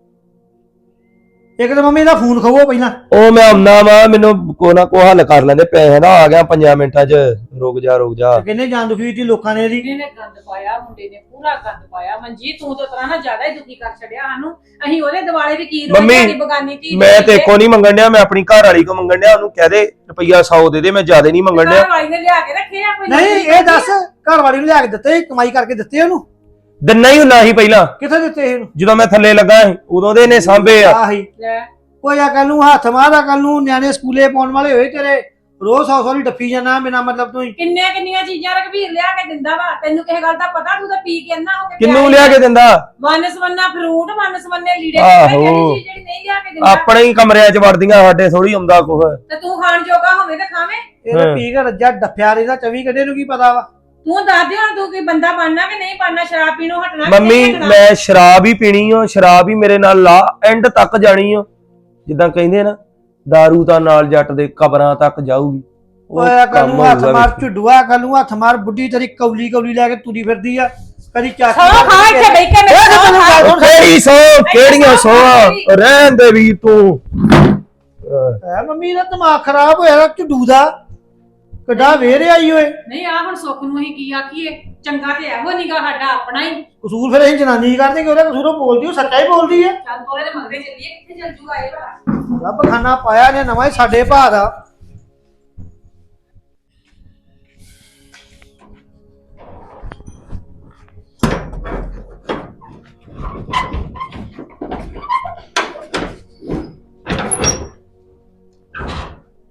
S2: ਇੱਕ ਤਾਂ ਮੰਮੀ ਦਾ ਫੋਨ ਖਵੋ ਪਹਿਲਾਂ।
S5: ਉਹ ਮੈਂ ਆਉਣਾ ਵਾ, ਮੈਨੂੰ ਕੋ ਨਾ ਕੋ ਹੱਲ ਕਰ ਲੈਂਦੇ, ਪੈਸੇ ਦਾ ਆ ਗਿਆ 5 ਮਿੰਟਾਂ 'ਚ। ਰੁਕ ਜਾ ਰੁਕ ਜਾ।
S2: ਕਿੰਨੇ ਜਾਨ ਦੁਖੀ ਕੀਤੀ ਲੋਕਾਂ ਨੇ ਇਹਦੀ।
S3: ਇਹਨੇ ਗੰਦ ਪਾਇਆ, ਮੁੰਡੇ ਨੇ ਪੂਰਾ ਗੰਦ ਪਾਇਆ। ਮਨਜੀਤ ਤੂੰ ਤਾਂ ਤਰ੍ਹਾਂ ਨਾ ਜ਼ਿਆਦਾ ਹੀ ਦੁਖੀ ਕਰ ਛੱਡਿਆ ਸਾਨੂੰ। ਅਸੀਂ ਉਹਦੇ ਦਿਵਾਲੇ ਵੀ ਕੀ
S5: ਮੰਮੀ,
S3: ਸਾਡੀ ਬਗਾਨੀ ਧੀ
S5: ਮੈਂ ਤੇ ਕੋ ਨਹੀਂ ਮੰਗਣ ਡਿਆ, ਮੈਂ ਆਪਣੀ ਘਰ ਵਾਲੀ ਕੋ ਮੰਗਣ ਡਿਆ। ਉਹਨੂੰ ਕਹਿ ਦੇ ਰੁਪਈਆ 100 ਦੇ ਦੇ, ਮੈਂ ਜ਼ਿਆਦਾ ਨਹੀਂ ਮੰਗਣ ਡਿਆ।
S3: ਘਰ ਵਾਲੀ ਨੇ ਲਿਆ ਕੇ ਰੱਖੇ ਆ ਕੋਈ
S2: ਨਹੀਂ ਇਹ ਦੱਸ, ਘਰ ਵਾਲੀ ਨੂੰ ਲਿਆ ਕੇ ਦਿੱਤੇ, ਕਮਾਈ ਕਰਕੇ ਦਿੱਤੇ ਉਹਨੂੰ?
S5: ਦਿਨਾ ਹੀ ਹੁੰਦਾ ਸੀ ਪਹਿਲਾਂ,
S2: ਕਿੱਥੇ ਦਿੱਤੇ ਇਹਨੂੰ?
S5: ਜਦੋਂ ਮੈਂ ਥੱਲੇ ਲੱਗਾ ਸੀ ਉਦੋਂ ਦੇ ਨੇ ਸਾਂਭੇ ਆ।
S2: ਆਹੀ
S3: ਲੈ,
S2: ਕੋਈ ਅਕਲ ਨੂੰ ਹੱਥ ਮਾਰ, ਅਕਲ ਨੂੰ। ਨਿਆਣੇ ਸਕੂਲੇ ਪਾਉਣ ਵਾਲੇ ਹੋਏ ਤੇਰੇ, ਰੋਜ਼ 100 ਦੀ ਡੱਫੀ ਜਾਣਾ ਬਿਨਾਂ ਮਤਲਬ ਤੋਂ ਹੀ।
S3: ਕਿੰਨੀਆਂ ਚੀਜ਼ਾਂ ਰਘਵੀਰ ਲਿਆ ਕੇ ਦਿੰਦਾ ਵਾ, ਤੈਨੂੰ ਕਿਸੇ ਗੱਲ ਦਾ ਪਤਾ? ਤੂੰ ਤਾਂ ਪੀ ਕੇ ਅੰਨਾ ਹੋ ਕੇ
S5: ਕਿੰਨੂੰ ਲਿਆ ਕੇ ਦਿੰਦਾ?
S3: ਵੰਨ-ਸਵੰਨਾ ਫਰੂਟ, ਵੰਨ-ਸਵੰਨੇ ਲੀੜੇ,
S5: ਆਹੋ।
S3: ਜਿਹੜੀ ਚੀਜ਼ ਜਿਹੜੀ ਨਹੀਂ ਲਿਆ ਕੇ ਦਿੰਦਾ।
S5: ਆਪਣੇ ਹੀ ਕਮਰਿਆਂ 'ਚ ਵੜਦੀਆਂ, ਸਾਡੇ ਥੋੜੀ ਆਉਂਦਾ ਕੁਛ।
S3: ਤੇ ਤੂੰ ਖਾਣ ਜੋਗਾ ਹੋਵੇ ਤੇ ਖਾਵੇਂ।
S2: ਇਹ ਤਾਂ ਪੀ ਕੇ ਰੱਜਾ ਡੱਫਿਆ ਰਹਿੰਦਾ 24 ਘੰਟੇ, ਨੂੰ ਕੀ ਪਤਾ ਵਾ?
S3: ਤੂੰ ਦੱਸ ਦੇ ਹੁਣ, ਤੂੰ ਕੋਈ ਬੰਦਾ ਬਣਨਾ ਕਿ ਨਹੀਂ ਬਣਨਾ? ਸ਼ਰਾਬ ਪੀਣੋਂ ਹਟਣਾ ਕਿ
S5: ਮੰਮੀ
S3: ਨਹੀਂ ਹਟਣਾ?
S5: ਮੈਂ ਸ਼ਰਾਬ ਹੀ ਪੀਣੀ ਓ, ਸ਼ਰਾਬ ਹੀ ਮੇਰੇ ਨਾਲ ਲਾ ਐਂਡ ਤੱਕ ਜਾਣੀ ਓ। ਜਿੱਦਾਂ ਕਹਿੰਦੇ ਨਾ, ਦਾਰੂ ਤਾਂ ਨਾਲ ਜੱਟ ਦੇ ਕਬਰਾਂ ਤੱਕ ਜਾਊਗੀ। ਉਹ
S2: ਓਏ ਅਕਲ
S5: ਕੰਮ
S2: ਨੂੰ ਹੱਥ
S5: ਹੋਊਗਾ
S2: ਮਾਰ,
S5: ਵਿੱਚ।
S2: ਝੁੱਡੂਆ ਅਕਲ ਨੂੰ ਹੱਥ ਮਾਰ। ਬੁੱਢੀ ਤੇਰੀ ਕੌਲੀ ਕੌਲੀ ਲੈ ਕੇ ਤੁਰੀ ਫਿਰਦੀ ਆ, ਕਦੀ ਚਾਚੀ
S3: ਸੌ ਖਾ ਇੱਥੇ ਬਹਿ ਕੇ ਮੇਰੇ
S2: ਤੈਨੂੰ
S3: ਨਾਲ
S2: ਗੱਲ ਸੁਣ।
S5: ਕਿਹੜੀ ਸੌ, ਕਿਹੜੀਆਂ ਸੌਆਂ? ਰਹਿਣ ਦੇ ਵੀਰ ਤੂੰ।
S2: ਹੈ ਮੰਮੀ ਦਾ ਦਿਮਾਗ ਖਰਾਬ ਹੋਇਆ ਝੁੱਡੂ ਦਾ, ਕਿੱਡਾ ਵੇਰ ਆਈ ਓਏ।
S3: ਨਹੀਂ ਆ ਹੁਣ ਸੁੱਖ ਨੂੰ ਅਸੀਂ ਕੀ ਆਖੀਏ? ਚੰਗਾ ਤੇ ਇਹੋ ਨੀਗਾ ਸਾਡਾ ਆਪਣਾ ਹੀ।
S2: ਕਸੂਰ ਫਿਰ ਅਸੀਂ ਜਨਾਨੀ ਹੀ ਕਰਦੇ ਕਿ ਉਹਦਾ ਕਸੂਰ ਉਹ ਬੋਲਦੀ, ਉਹ ਸੱਚਾ ਹੀ ਬੋਲਦੀ ਹੈ।
S3: ਚੱਲ ਤੋਰੇ ਦੇ ਮੰਗਦੇ ਚੱਲੀਏ, ਕਿੱਥੇ ਚੱਲ ਜੂਗਾ ਇਹ ਭਲਾ?
S2: ਰੱਬ ਖਾਨਾ ਪਾਇਆ ਨੇ ਨਵਾਂ ਹੀ ਸਾਡੇ ਭਾ ਦਾ।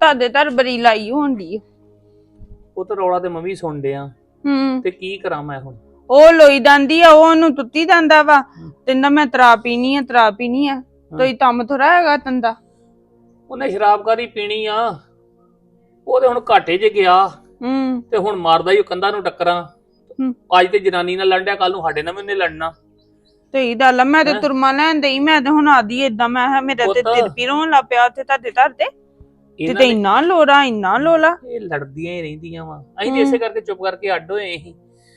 S7: ਤੁਹਾਡੇ ਘਰ ਬੜੀ ਲਾਈ ਹੋਣ ਦੀ
S8: ਉਹ ਤਾਂ ਰੌਲਾ ਤੇ ਮੈਂ ਵੀ ਸੁਣ ਡਿਆ ਤੇ ਕੀ ਕਰਾਂ ਮੈਂ ਹੁਣ।
S7: ਉਹ ਲੋਈ ਜਾਂਦੀ ਆ, ਉਹ ਉਹਨੂੰ ਤੁੱਤੀ ਜਾਂਦਾ ਵਾ। ਕਹਿੰਦਾ ਮੈਂ ਤਰਾ ਪੀਣੀ ਆ ਤੋਈ ਤੰਮ ਥੋੜਾ ਹੈਗਾ ਤੰਦਾ।
S8: ਉਹਨੇ ਸ਼ਰਾਬ ਕਾਦੀ ਪੀਣੀ ਆ, ਉਹ ਤੇ ਹੁਣ ਘਾਟੇ 'ਚ ਗਿਆ ਤੇ ਹੁਣ ਮਾਰਦਾ ਹੀ ਉਹ ਕੰਧਾਂ ਨੂੰ ਟੱਕਰਾਂ। ਅੱਜ ਤੇ ਜਨਾਨੀ ਨਾਲ ਲੜਿਆ, ਕੱਲ ਨੂੰ ਸਾਡੇ ਨਾਲ ਵੀ ਉਹਨੇ ਲੜਨਾ।
S7: ਸਹੀ ਗੱਲ ਆ, ਮੈਂ ਤੇ ਤੁਰਮਾ ਲੈਣ ਦਈ, ਮੈਂ ਤੇ ਹੁਣ ਆਦੀ ਏਦਾਂ। ਮੈਂ ਕਿਹਾ ਮੇਰਾ ਤੇ ਦਿਲ ਪੀਰ ਹੋਣ ਲੱਗ ਪਿਆ ਉੱਥੇ ਤੁਹਾਡੇ ਘਰ ਤੇ ਇੰਨਾ ਲੋੜਾ
S8: ਇਹ ਲੜਦੀਆਂ ਹੀ ਰਹਿੰਦੀਆਂ ਵਾ। ਅਸੀਂ ਤੇ ਇਸੇ ਕਰਕੇ ਚੁੱਪ ਕਰਕੇ ਅੱਡ ਹੋਏ ਸੀ।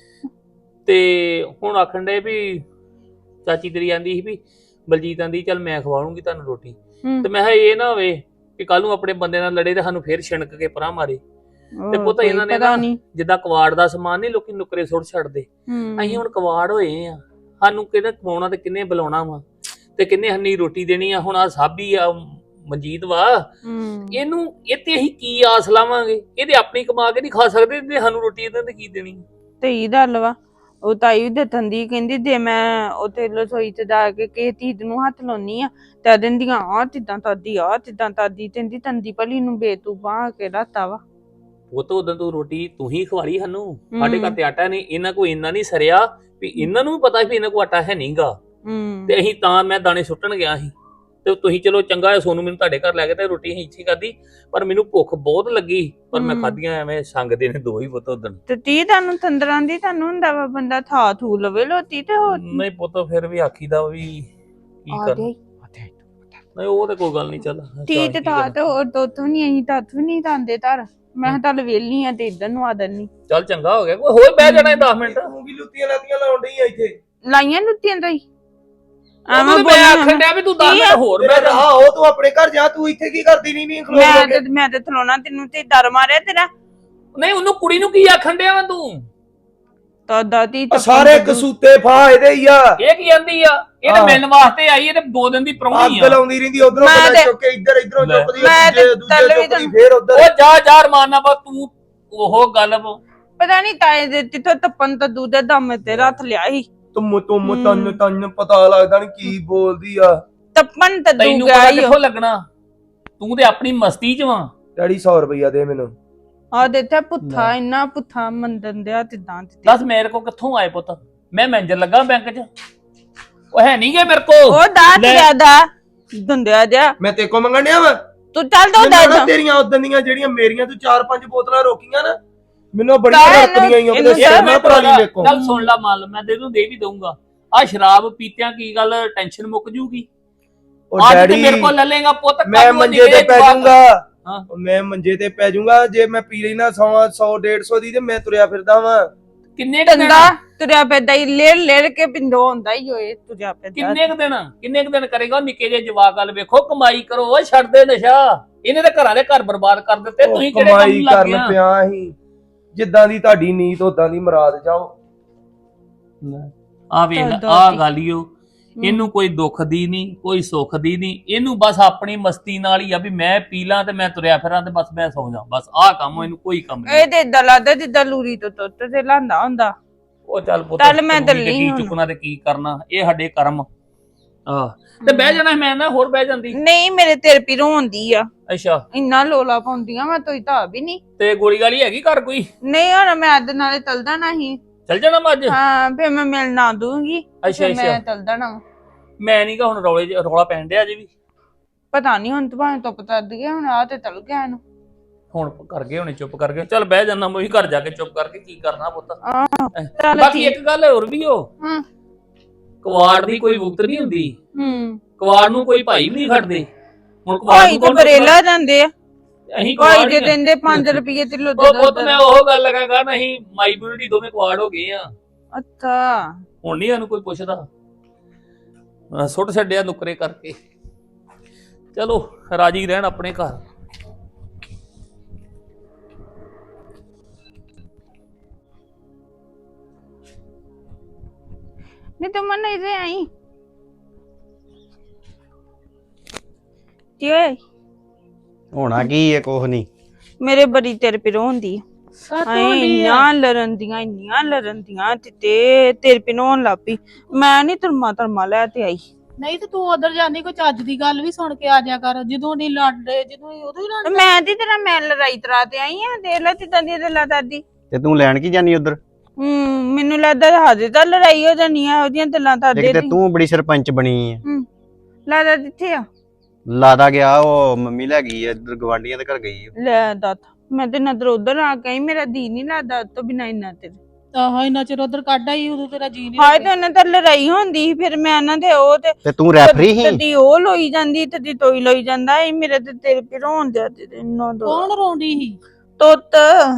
S8: ਤੇ ਹੁਣ ਆਖਣ ਦੇ ਵੀ ਚਾਚੀ ਤੇਰੀ ਆਂਦੀ ਸੀ ਵੀ ਬਲਜੀਤ ਆਂਦੀ ਚੱਲ ਮੈਂ ਖਵਾਉਂਗੀ ਤੁਹਾਨੂੰ ਰੋਟੀ। ਤੇ ਮੈਂ ਕਿਹਾ ਇਹ ਨਾ ਹੋਵੇ ਕਿ ਕੱਲ ਨੂੰ ਆਪਣੇ ਬੰਦੇ ਨਾਲ ਲੜੇ ਤੇ ਸਾਨੂੰ ਫੇਰ ਛਿਣਕ ਕੇ ਪਰਾਂ ਮਾਰੇ। ਤੇ ਪੁੱਤ ਇਹਨਾਂ ਨੇ ਨਾ ਜਿੱਦਾਂ ਕਵਾੜ ਦਾ ਸਮਾਨ ਨਹੀਂ ਲੋਕੀ ਨੁਕਰੇ ਸੁੱਟ ਛੱਡਦੇ, ਅਸੀਂ ਹੁਣ ਕਵਾੜ ਹੋਏ ਆ। ਸਾਨੂੰ ਕਿਹਨੇ ਕਮਾਉਣਾ ਤੇ ਕਿੰਨੇ ਬੁਲਾਉਣਾ ਵਾ ਤੇ ਕਿੰਨੇ ਹੰਨੀ ਰੋਟੀ ਦੇਣੀ ਆ। ਹੁਣ ਆ ਸਾਬੀ ਆ ਮਨਜੀਤ ਵਾ, ਇਹਨੂੰ ਇੱਥੇ ਅਸੀਂ ਕੀ ਆਸ ਲਾਵਾਂਗੇ? ਇਹਦੇ ਆਪਣੀ ਕਮਾ ਕੇ ਨਹੀਂ ਖਾ ਸਕਦੇ ਤੇ ਸਾਨੂੰ ਰੋਟੀ ਇਹਨਾਂ ਤੇ ਕੀ ਦੇਣੀ?
S7: ਸਹੀ ਗੱਲ ਵਾ। ਉਹ ਤਾਈ ਦੇ ਥੰਦੀ ਕਹਿੰਦੀ ਜੇ ਮੈਂ ਉੱਥੇ ਰਸੋਈ ਚ ਜਾ ਕੇ ਕਿਸੇ ਚੀਜ਼ ਨੂੰ ਹੱਥ ਲਾਉਣੀ ਆ ਤੇ ਦਿੰਦੀਆਂ ਆ ਤਿੱਦਾਂ ਤਾਦੀ ਕਹਿੰਦੀ ਤੰਦੀ ਭਲੀ ਨੂੰ ਬੇਤੂਬਾ ਕੇ ਰਾਤਾ ਵਾ।
S8: ਉਹ ਤਾਂ ਉਦੋਂ ਤੂੰ ਰੋਟੀ ਤੂੰ ਹੀ ਖਵਾਲੀ ਸਾਨੂੰ। ਸਾਡੇ ਘਰ ਤੇ ਆਟਾ ਨਹੀਂ, ਇਹਨਾਂ ਕੋ ਇੰਨਾ ਨਹੀਂ ਸਰਿਆ ਵੀ ਇਹਨਾਂ ਨੂੰ ਵੀ ਪਤਾ ਵੀ ਇਹਨਾਂ ਕੋ ਆਟਾ ਹੈ ਨਹੀਂਗਾ। ਤੇ ਅਸੀਂ ਤਾਂ ਮੈਂ ਦਾਣੇ ਸੁੱਟਣ ਗਿਆ ਸੀ ਤੇ ਤੁਸੀਂ ਚਲੋ ਚੰਗਾ ਹੈ ਸੋਨੂੰ ਮੈਨੂੰ ਤੁਹਾਡੇ ਘਰ ਲੈ ਕੇ ਤੇ ਰੋਟੀ ਅਸੀਂ ਇੱਥੇ ਖਾਧੀ। ਪਰ ਮੈਨੂੰ ਭੁੱਖ ਬਹੁਤ ਲੱਗੀ, ਪਰ ਮੈਂ ਖਾਧੀਆਂ ਐਵੇਂ ਸੰਗਦੇ ਨੇ ਦੋ ਹੀ ਪੁੱਤ ਉਦੋਂ।
S7: ਤੇ ਤੁਹਾਨੂੰ ਤੰਦਰਾਂ ਦੀ ਤੁਹਾਨੂੰ ਹੁੰਦਾ ਵਾ ਬੰਦਾ ਥਾ ਥੂ ਲਵੇ ਲੋਤੀ ਤੇ ਹੋਰ
S8: ਨਹੀਂ ਪੁੱਤ ਫਿਰ ਵੀ ਆਖੀਦਾ ਵੀ ਕੀ ਕਰ। ਨਹੀਂ ਉਹ ਤੇ ਕੋਈ ਗੱਲ ਨਹੀਂ। ਚੱਲ
S7: ਤੀ ਤੇ ਥਾ ਤੇ ਹੋਰ ਤੋਥੋਂ ਨਹੀਂ ਅਸੀਂ ਤਾਥੋਂ ਨਹੀਂ ਤਾਂਦੇ ਧਰ। ਮੈਂ ਕਿਹਾ ਚੱਲ ਵੇਲੀ ਆ ਤੇ ਇੱਧਰ ਨੂੰ ਆ ਦਨੀ।
S8: ਚੱਲ ਚੰਗਾ ਹੋ ਗਿਆ, ਕੋਈ ਹੋਰ ਬਹਿ ਜਾਣਾ 10 ਮਿੰਟ।
S5: ਤੂੰ ਵੀ ਲੁੱਤੀਆਂ ਲਾਤੀਆਂ ਲਾਉਣ ਡਈ ਆ ਇੱਥੇ।
S7: ਲਾਈਆਂ ਲੁੱਤੀਆਂ ਤੋਂ ਹੀ
S8: ਮੈਂ ਆਖਣ ਡਿਆ ਵੀ ਤੂੰ 10 ਮਿੰਟ ਹੋਰ ਬਹਿ ਜਾ।
S5: ਉਹ ਤੂੰ ਆਪਣੇ ਘਰ ਜਾ, ਤੂੰ ਇੱਥੇ ਕੀ ਕਰਦੀ ਨਹੀਂ
S7: ਮੈਂ ਤੇ ਥਲੋਣਾ ਤੈਨੂੰ ਤੇ ਡਰ ਮਾਰਿਆ ਤੇਰਾ।
S8: ਨਹੀਂ ਉਹਨੂੰ ਕੁੜੀ ਨੂੰ ਕੀ ਆਖਣ ਡਿਆ ਵਾ ਤੂੰ?
S7: ਦਾਦੀ
S5: ਸਾਰੇ ਕਸੂਤੇ ਫਾ ਇਹਦੇ ਹੀ ਆ।
S8: ਇਹ ਕੀ ਆਂਦੀ ਆ? ਇਹ ਤਾਂ ਮਿਲਣ ਵਾਸਤੇ ਆਈ, ਇਹ ਤੇ 2 ਦਿਨ ਦੀ ਪ੍ਰਾਹੁਣੀ ਆ।
S5: ਅੱਗ ਲਾਉਂਦੀ ਰਹਿੰਦੀ, ਉਧਰੋਂ ਚੁੱਕ ਕੇ ਇੱਧਰ ਇਧਰੋਂ ਚੁੱਕਦੀ ਦੂਜੇ ਫੇਰ ਉਧਰ।
S8: ਉਹ ਜਾ ਮਾਰਨਾ ਬਾ ਤੂੰ ਉਹ ਗੱਲ।
S7: ਪਤਾ ਨਹੀਂ ਤਾਏ ਦੇ ਤਿੱਥੋਂ ਤੱਪਨ ਤਾਂ ਦੂਜੇ ਦਮ ਤੇ ਰੱਥ ਲਿਆ ਸੀ।
S5: ਤੁਮ ਤਨ ਪਤਾ ਲੱਗਦਾ ਨਹੀਂ ਕੀ ਬੋਲਦੀ ਆ।
S7: ਤੱਪਨ ਤਾਂ
S8: ਤੈਨੂੰ ਪਤਾ ਕਿੱਥੋਂ ਲੱਗਣਾ? ਤੂੰ ਤੇ ਆਪਣੀ ਮਸਤੀ ਚ ਵਾਂ।
S5: ਡੈਡੀ 100 ਰੁਪਇਆ ਦੇ ਮੈਨੂੰ।
S7: ਆ ਦਿੱਤਾ ਪੁੱਠਾ, ਇੰਨਾ ਪੁੱਠਾ ਮੰਦਨ ਦਿਆ ਤਿੱਦਾਂ।
S8: ਦੱਸ ਮੇਰੇ ਕੋ ਕਿੱਥੋਂ ਆਏ ਪੁੱਤ? ਮੈਂ ਮੈਨੇਜਰ ਲੱਗਾ ਬੈਂਕ 'ਚ, ਉਹ ਹੈ ਨਹੀਂ ਗੇ ਮੇਰੇ ਕੋ।
S7: ਉਹ ਦਾਤ ਜ਼ਿਆਦਾ ਦੰਦਿਆ ਜਾ।
S5: ਮੈਂ ਤੇ ਕੋ ਮੰਗਣ ਡਿਆ ਵਾ।
S7: ਤੂੰ ਚੱਲ ਦੋ ਦਾਤ
S5: ਤੇਰੀਆਂ ਉਦੋਂ ਦੀਆਂ ਜਿਹੜੀਆਂ ਮੇਰੀਆਂ ਤੂੰ 4-5 ਬੋਤਲਾਂ ਰੋਕੀਆਂ ਨਾ, ਮੈਨੂੰ ਬੜੀਆਂ ਰੜਕਦੀਆਂ ਆਈਆਂ। ਉਹਦੇ ਸਿਰ ਨਾ ਪਰਾਲੀ ਵੇਖੋ।
S8: ਚੱਲ ਸੁਣ ਲੈ ਮਾਲ, ਮੈਂ ਤੈਨੂੰ ਦੇ ਵੀ ਦਊਂਗਾ। ਆ ਸ਼ਰਾਬ ਪੀਤਿਆਂ ਕੀ ਗੱਲ ਟੈਨਸ਼ਨ ਮੁੱਕ ਜੂਗੀ?
S5: ਉਹ ਡੈਡੀ
S8: ਮੇਰੇ ਕੋਲ ਲੈ ਲੇਗਾ ਪੁੱਤ,
S5: ਮੈਂ ਮੰਜੇ ਤੇ ਪੈ ਜਾਊਂਗਾ। ਮੈਂ ਮੰਜੇ ਤੇ ਪੈ ਜਾਊਂਗਾ ਜੇ ਮੈਂ ਪੀ ਲੈਣਾ 100-150 ਦੀ ਤੇ ਮੈਂ ਤੁਰਿਆ ਫਿਰਦਾ ਵਾਂ।
S8: ਕਿੰਨੇ
S7: ਟੰਗਾ ਤੁਰਿਆ ਪੈਦਾ ਹੀ ਲੇੜ ਕੇ ਪਿੰਡੋਂ ਹੁੰਦਾ ਹੀ ਹੋਏ ਤੁਰਿਆ ਪੈਦਾ।
S8: ਕਿੰਨੇ ਕੁ ਦਿਨ ਕਰੇਗਾ? ਨਿੱਕੇ ਜਿਹੇ ਜਵਾਕ ਵੱਲ ਵੇਖੋ, ਕਮਾਈ ਕਰੋ, ਓਏ ਛੱਡ ਦੇ ਨਸ਼ਾ। ਇਹਨੇ ਤਾਂ ਘਰਾਂ ਦੇ ਘਰ ਬਰਬਾਦ ਕਰ ਦਿੱਤੇ। ਤੁਸੀਂ ਕਿਹੜੇ ਕੰਮ
S5: ਕਮਾਈ
S8: ਲੱਗ ਗਏ?
S5: ਕਰਨ ਪਿਆ ਸੀ, ਜਿੱਦਾਂ ਦੀ ਤੁਹਾਡੀ ਨੀਤ ਉਦਾਂ ਦੀ ਮੁਰਾਦ ਜਾਓ।
S8: ਆ ਵੇਖ ਆ ਗਾਲੀਓ, ਇਹਨੂੰ ਕੋਈ ਦੁੱਖ ਦੀ ਨਹੀਂ, ਕੋਈ ਸੁੱਖ ਦੀ ਨਹੀਂ। ਇਹਨੂੰ ਬਸ ਆਪਣੀ ਮਸਤੀ ਨਾਲ ਹੀ ਆ ਵੀ ਮੈਂ ਪੀ ਲਾਂ ਤੇ ਮੈਂ ਤੁਰਿਆ ਫਿਰਾਂ ਤੇ ਬਸ ਮੈਂ ਸੌਂ ਜਾ। ਬਸ ਆਹ ਕੰਮ ਇਹਨੂੰ ਕੋਈ ਕੰਮ ਨਹੀਂ।
S7: ਇਹ ਤੇ ਏਦਾਂ ਲੱਗਦਾ ਜਿੱਦਾਂ ਲੂਰੀ ਤੋਂ ਤੁੱਤ ਤੇ ਲਾਂਦਾ ਹੁੰਦਾ।
S8: ਉਹ ਚੱਲ ਪੁੱਤ,
S7: ਚੱਲ ਮੈਂ ਦਿੱਲੀ
S8: ਕੀ ਚੁੱਕਣਾ ਤੇ ਕੀ ਕਰਨਾ, ਇਹ ਸਾਡੇ ਕਰਮ। ਤੇ ਬਹਿ ਜਾਣਾ ਮੈਂ ਨਾ ਹੋਰ ਬਹਿ ਜਾਂਦੀ।
S7: ਨਹੀਂ ਮੇਰੇ ਤੇਰੇ ਪੀ ਰੋਂਦੀ ਆ।
S8: ਅੱਛਾ
S7: ਇੰਨਾ ਲੋਲਾ ਪਾਉਂਦੀਆਂ ਮੈਂ ਤੋਈ ਤਾਂ ਵੀ ਨਹੀਂ।
S8: ਤੇ ਗੋਲੀ ਗਾਲੀ ਹੈਗੀ ਘਰ ਕੋਈ?
S7: ਨਹੀਂ ਹੁਣ ਮੈਂ ਅੱਜ ਨਾਲੇ ਤਲਦਾ ਨਹੀਂ।
S8: ਚੱਲ ਜਾਣਾ ਮੈਂ ਅੱਜ?
S7: ਹਾਂ ਫੇਰ ਮੈਂ ਮਿਲ ਨਾ ਦੂੰਗੀ।
S8: ਅੱਛਾ
S7: ਮੈਂ ਤਲਦਾ ਨਾ।
S8: ਮੈਂ ਨੀ ਗਾ ਹੁਣ ਰੌਲਾ ਪੈਣ ਡਿਆ ਅਜੇ ਵੀ।
S7: ਪਤਾ ਨਹੀਂ ਹੁਣ ਭਾਵੇਂ ਧੁੱਪ ਤੱਦ ਗਿਆ ਹੁਣ ਆ ਤੇ ਤਲ ਗਿਆ ਇਹਨੂੰ।
S8: ਹੁਣ ਕਰ ਗਏ ਹੁਣੇ ਚੁੱਪ ਕਰਕੇ। ਚੱਲ ਬਹਿ ਜਾਣਾ ਮੈਂ ਵੀ ਘਰ ਜਾ ਕੇ ਚੁੱਪ ਕਰਕੇ ਕੀ ਕਰਨਾ ਪੁੱਤ। ਬਾਕੀ ਇੱਕ ਗੱਲ ਹੋਰ ਵੀ ਹਾਂ, ਕਵਾੜ ਦੀ ਕੋਈ ਵੁਕਤ ਨਹੀਂ ਹੁੰਦੀ। ਕਵਾੜ ਨੂੰ ਕੋਈ ਭਾਈ ਵੀ ਨਹੀਂ ਖੜਦੇ। ਹੁਣ ਕਵਾੜ ਨੂੰ ਕੋਈ
S7: ਬਰੇਲਾ ਜਾਂਦੇ ਆ।
S8: ਅਸੀਂ
S7: ਕੋਈ ਦੇ ਦਿੰਦੇ 5 ਰੁਪਏ ਕਿਲੋ ਦੇ।
S8: ਪੁੱਤ ਮੈਂ ਉਹ ਗੱਲ ਲਗਾਗਾ ਨਹੀਂ, ਮਾਈ ਬਿਊਟੀ ਦੋਵੇਂ ਕਵਾੜ ਹੋ ਗਏ ਆ।
S7: ਅੱਛਾ
S8: ਹੁਣ ਨਹੀਂ ਇਹਨੂੰ ਕੋਈ ਪੁੱਛਦਾ, ਸੁੱਟ ਛੱਡਿਆ ਨੁਕਰੇ ਕਰਕੇ। ਚਲੋ ਰਾਜੀ ਰਹਿਣ ਆਪਣੇ ਘਰ।
S7: नहीं तो मन इधर आई क्या
S1: ਹੋਣਾ ਕੀ ਹੈ? ਕੁਛ ਨਹੀਂ।
S7: मेरे बड़ी तेरे पे रोंदी ਇੰਨੀਆਂ ਲਰਨ ਦੀਆਂ ਤੇ ਤੇਰੇ पे ਰੋਣ ਲੱਗ ਪਈ। ਮੈਂ ਨਹੀਂ ਧਰਮਾ ਲੈ ਤੇ ਆਈ।
S9: ਨਹੀਂ ਤੇ ਤੂੰ ਉਧਰ ਜਾਂਦੀ ਕੋਈ ਚੱਜ ਦੀ ਗੱਲ ਵੀ ਸੁਣ ਕੇ ਆ ਜਾ ਕਰ ਜਦੋਂ ਨਹੀਂ ਲੜਦੇ ਜਦੋਂ ਨੀ ਉਦੋਂ ਹੀ
S7: ਤੇ
S9: ਲੜਦੇ।
S7: ਮੈਂ ਤੇ ਤੇਰਾ ਮੈਂ ਲੜਾਈ ਤਰਾ ਤੇ ਆਈ ਆ ਦੇਖ ਲੈ ਤਿੱਦਾਂ ਦੀ ਗੱਲਾਂ ਦਾਦੀ
S1: ਤੇ ਤੂੰ ਲੈਣ ਕੀ ਜਾਨੀ ਉਧਰ?
S7: ਮੈਨੂੰ ਲੱਗਦਾ ਹਾਦੇ ਤਾਂ ਲੜਾਈ ਹੋ ਜਾਣੀ ਆ ਉਹਦੀਆਂ ਗੱਲਾਂ ਦਾਦੇ
S1: ਇੱਕ ਤੇ
S7: ਦੀ
S1: ਤੂੰ ਬੜੀ ਸਰਪੰਚ ਬਣੀ ਆ।
S7: ਲੱਗਦਾ ਕਿੱਥੇ ਆ
S1: ਲਾਦਾ ਗਿਆ, ਉਹ ਮੰਮੀ ਲੈ ਗਈ ਆ ਇੱਧਰ ਗਵਾਂਢੀਆਂ ਦੇ ਘਰ ਗਈ ਆ।
S7: ਲੈ ਦੱਤ ਮੈਂ ਤੇ ਨਜ਼ਰ ਉਧਰ ਆ ਗਈ ਮੇਰਾ ਦੀ ਨਹੀਂ ਲੱਗਦਾ ਉਹ ਤੋਂ ਬਿਨਾਂ ਇੰਨਾ ਤੇ
S9: ਆਹੋ ਇੰਨਾ ਚਿਰ ਉਧਰ ਕੱਢ ਆਈ ਉਦੋਂ ਤੇਰਾ ਜੀ ਨਹੀਂ
S7: ਹਾਏ ਤੇ ਉਹਨਾਂ ਤਾਂ ਲੜਾਈ ਹੁੰਦੀ ਸੀ ਫਿਰ ਮੈਂ ਉਹਨਾਂ ਦੇ ਉਹ
S1: ਤੇ ਤੂੰ ਰੈਫਰੀ ਸੀ?
S7: ਤਦੀ ਉਹ ਲੋਈ ਜਾਂਦੀ ਤਦੀ ਤੋਈ ਲੋਈ ਜਾਂਦਾ ਇਹ ਮੇਰੇ ਤੇ ਤੇਰੇ ਪਿਰੋਂ ਦੇ ਤੇ ਇੰਨਾ ਦੋ
S9: ਕੌਣ ਰੋਂਦੀ ਸੀ?
S7: ਤੁੱਤ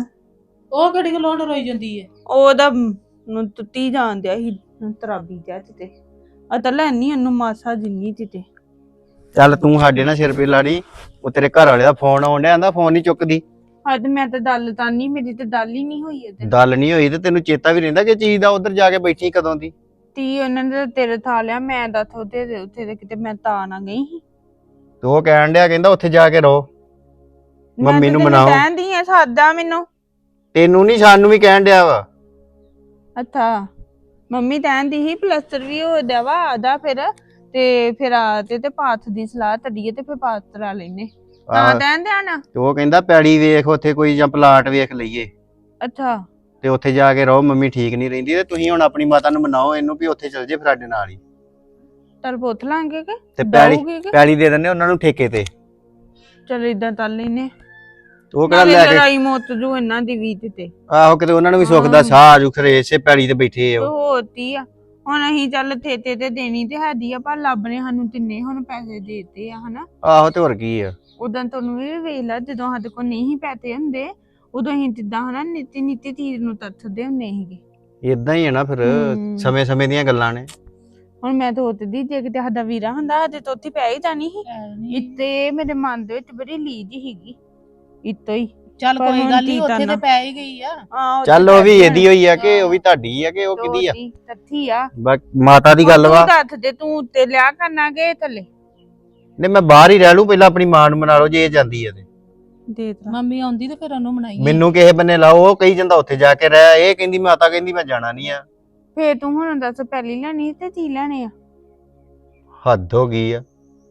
S9: ਉਹ ਕਿਹੜੀ ਗੱਲੋਂ ਰੋਈ ਜਾਂਦੀ ਹੈ?
S7: ਉਹਦਾ ਨੂੰ ਤੁੱਤੀ ਜਾਂਦਿਆ ਸੀ ਤਰਾਬੀ ਜਾ ਤੇ ਤਾਂ ਲੈਣੀ ਉਹਨੂੰ ਮਾਸਾ ਜਿੰਨੀ ਤੇ
S1: ਚੱਲ ਤੂੰ ਸਾਡੇ ਨਾਲ ਸਿਰ ਪੇ ਲਾੜੀ, ਉਹ ਤੇਰੇ ਘਰ ਵਾਲੇ ਦਾ ਫੋਨ ਆਉਣ ਡਿਆ, ਆਂਦਾ ਫੋਨ ਨਹੀਂ ਚੁੱਕਦੀ।
S7: ਅੱਜ ਮੈਂ ਤਾਂ ਦਲ ਤਾਂ ਨਹੀਂ ਮੇਰੀ ਤੇ ਦਲ ਹੀ ਨਹੀਂ ਹੋਈ ਇਹਦੇ
S1: ਗੱਲ ਨਹੀਂ ਹੋਈ ਤੇ ਤੈਨੂੰ ਚੇਤਾ ਵੀ ਰਹਿੰਦਾ ਕਿ ਚੀਜ਼ ਦਾ ਉਧਰ ਜਾ ਕੇ ਬੈਠੀ ਕਦੋਂ ਦੀ?
S7: ਤੀ ਉਹਨਾਂ ਨੇ ਤਾਂ ਤੇਰੇ ਥਾ ਲਿਆ ਮੈਂ ਦੱਸ ਉਹਦੇ ਉੱਥੇ ਤੇ ਕਿਤੇ ਮੈਂ ਤਾਂ ਨਾ ਗਈ ਸੀ
S1: ਤੇ ਉਹ ਕਹਿਣ ਡਿਆ ਕਹਿੰਦਾ ਉੱਥੇ ਜਾ ਕੇ ਰਹੋ, ਮੰਮੀ ਨੂੰ ਮਨਾਓ।
S7: ਕਹਿੰਦੀ ਆ ਸਾਦਾ ਮੈਨੂੰ
S1: ਤੈਨੂੰ ਨਹੀਂ ਸਾਨੂੰ ਵੀ ਕਹਿਣ ਡਿਆ ਵਾ।
S7: ਅੱਛਾ ਮੰਮੀ ਕਹਿੰਦੀ ਸੀ ਪਲਸਟਰ ਵੀ ਹੋ ਜਾਵਾ ਆਦਾ ਤੇ ਫਿਰ ਆ ਤੇ ਪਾਥ ਦੀ ਸਲਾਹ ਤੜੀਏ ਤੇ ਫਿਰ ਪਾਥ ਕਰਾ ਲੈਨੇ ਤਾਂ
S1: ਆਹ,
S7: ਕਹਿੰਦੇ ਆ ਨਾ
S1: ਤੇ ਉਹ ਕਹਿੰਦਾ ਪੈੜੀ ਵੇਖ ਉੱਥੇ ਕੋਈ ਜਾਂ ਪਲਾਟ ਵੇਖ ਲਈਏ
S7: ਅੱਛਾ
S1: ਤੇ ਉੱਥੇ ਜਾ ਕੇ ਰਹੋ, ਮੰਮੀ ਠੀਕ ਨਹੀਂ ਰਹਿੰਦੀ ਤੇ ਤੁਸੀਂ ਹੁਣ ਆਪਣੀ ਮਾਤਾ ਨੂੰ ਮਨਾਓ ਇਹਨੂੰ ਵੀ ਉੱਥੇ ਚੱਲ ਜੇ ਫਿਰ ਸਾਡੇ ਨਾਲ ਹੀ।
S7: ਤਰ ਪੁੱਤ ਲਾਂਗੇ ਕਿ
S1: ਤੇ
S7: ਦਊਗੀ ਕਿ
S1: ਪੈੜੀ ਦੇ ਦਿੰਦੇ ਉਹਨਾਂ ਨੂੰ ਠੇਕੇ ਤੇ।
S7: ਚਲ ਇਦਾਂ ਤਲ ਲੈਨੇ
S1: ਤੇ ਉਹ ਕਿਹੜਾ
S7: ਨਾਲੇ
S1: ਲੈ ਕੇ
S7: ਲੜਾਈ ਮੁੱਤ ਜੂ ਇਹਨਾਂ ਦੀ ਵੀ ਤੇ
S1: ਆਹੋ ਕਿਤੇ ਉਹਨਾਂ ਨੂੰ ਵੀ ਸੁੱਖ ਦਾ ਸਾਹ ਆਜੂ, ਖਰੇ ਇਸੇ ਪੈੜੀ ਤੇ ਬੈਠੇ ਆ ਉਹ।
S7: ਹੋਤੀ ਆ ਹੁਣ ਅਸੀਂ ਚੱਲ ਥੇਤੇ ਤੇ ਦੇਣੀ ਤੇ ਹੈਦੀ ਆ ਪਰ ਲੱਭ ਨੇ ਸਾਨੂੰ ਤਿੰਨੇ ਹੁਣ ਪੈਸੇ ਦੇਤੇ ਆ ਹਨਾ।
S1: ਆਹੋ ਤੇ ਹੋਰ ਕੀ ਆ।
S7: ਉਦੋਂ ਤੁਹਾਨੂੰ ਵੀ ਵੇਖ ਲਾ ਜਦੋਂ ਸਾਡੇ ਕੋਲ ਨਹੀਂ ਪੈਸੇ ਹੁੰਦੇ ਉਦੋਂ ਅਸੀਂ ਜਿੱਦਾਂ ਹਨਾ ਨੀਤੀ ਚੀਜ਼ ਨੂੰ ਤਰਸਦੇ ਹੁੰਦੇ ਸੀਗੇ।
S1: ਇਦਾਂ ਹੀ ਹੈ ਨਾ ਫਿਰ, ਸਮੇਂ ਸਮੇਂ ਦੀਆਂ ਗੱਲਾਂ ਨੇ।
S7: ਹੁਣ ਮੈਂ ਤਾਂ ਉੱਤਦੀ ਜੇ ਕਿਤੇ ਸਾਡਾ ਵੀਰਾ ਹੁੰਦਾ ਸਾਡੇ ਤੋਂ ਉੱਥੇ ਪੈ ਹੀ ਜਾਣੀ ਸੀ ਇੱਥੇ ਮੇਰੇ ਮਨ ਦੇ ਵਿੱਚ ਬੜੀ ਲੀਜ ਸੀਗੀ ਇੱਤੋਂ ਹੀ।
S9: ਚੱਲ
S7: ਪਰ
S9: ਕੋਈ
S7: ਹੁਣ
S9: ਗੱਲ ਨਹੀਂ
S7: ਕੀ
S9: ਉੱਥੇ
S7: ਕਰਨਾ?
S9: ਤੇ ਪੈ ਹੀ ਗਈ ਆ।
S1: ਚੱਲ ਉਹ ਵੀ ਇਹਦੀ ਹੋਈ ਆ ਕਿ ਉਹ ਵੀ ਤੁਹਾਡੀ ਆ ਕਿ ਉਹ ਕਿਹਦੀ ਆ?
S7: ਤੱਥੀ ਆ
S1: ਮਾਤਾ ਦੀ ਗੱਲ ਵਾ।
S7: ਤੂੰ ਦੱਸ ਦੇ ਤੂੰ ਉੱਤੇ ਲਿਆ ਕਰਨਾ ਕਿ ਥੱਲੇ
S1: ਨਹੀਂ ਮੈਂ ਬਾਹਰ ਹੀ ਰਹਿ ਲੂ, ਪਹਿਲਾਂ ਆਪਣੀ ਮਾਂ ਨੂੰ ਮਨਾ ਲਓ ਜੇ ਇਹ ਜਾਂਦੀ ਆ ਤੇ।
S7: ਦੇ ਤਾ
S9: ਮੰਮੀ ਆਉਂਦੀ ਤੇ ਫਿਰ ਉਹਨੂੰ ਮਨਾਈ
S1: ਮੈਨੂੰ ਕਿਸੇ ਬੰਨੇ ਲਾਓ, ਉਹ ਕਹੀ ਜਾਂਦਾ ਉੱਥੇ ਜਾ ਕੇ ਰਹਿ, ਇਹ ਕਹਿੰਦੀ ਮਾਤਾ ਕਹਿੰਦੀ ਮੈਂ ਜਾਣਾ ਨਹੀਂ ਆ।
S7: ਫੇਰ ਤੂੰ ਹੁਣ ਦੱਸ ਪਹਿਲੀ ਲੈਣੀ ਤੇ ਕੀ ਲੈਣੇ ਆ?
S1: ਹੱਦ ਹੋ ਗਈ ਆ।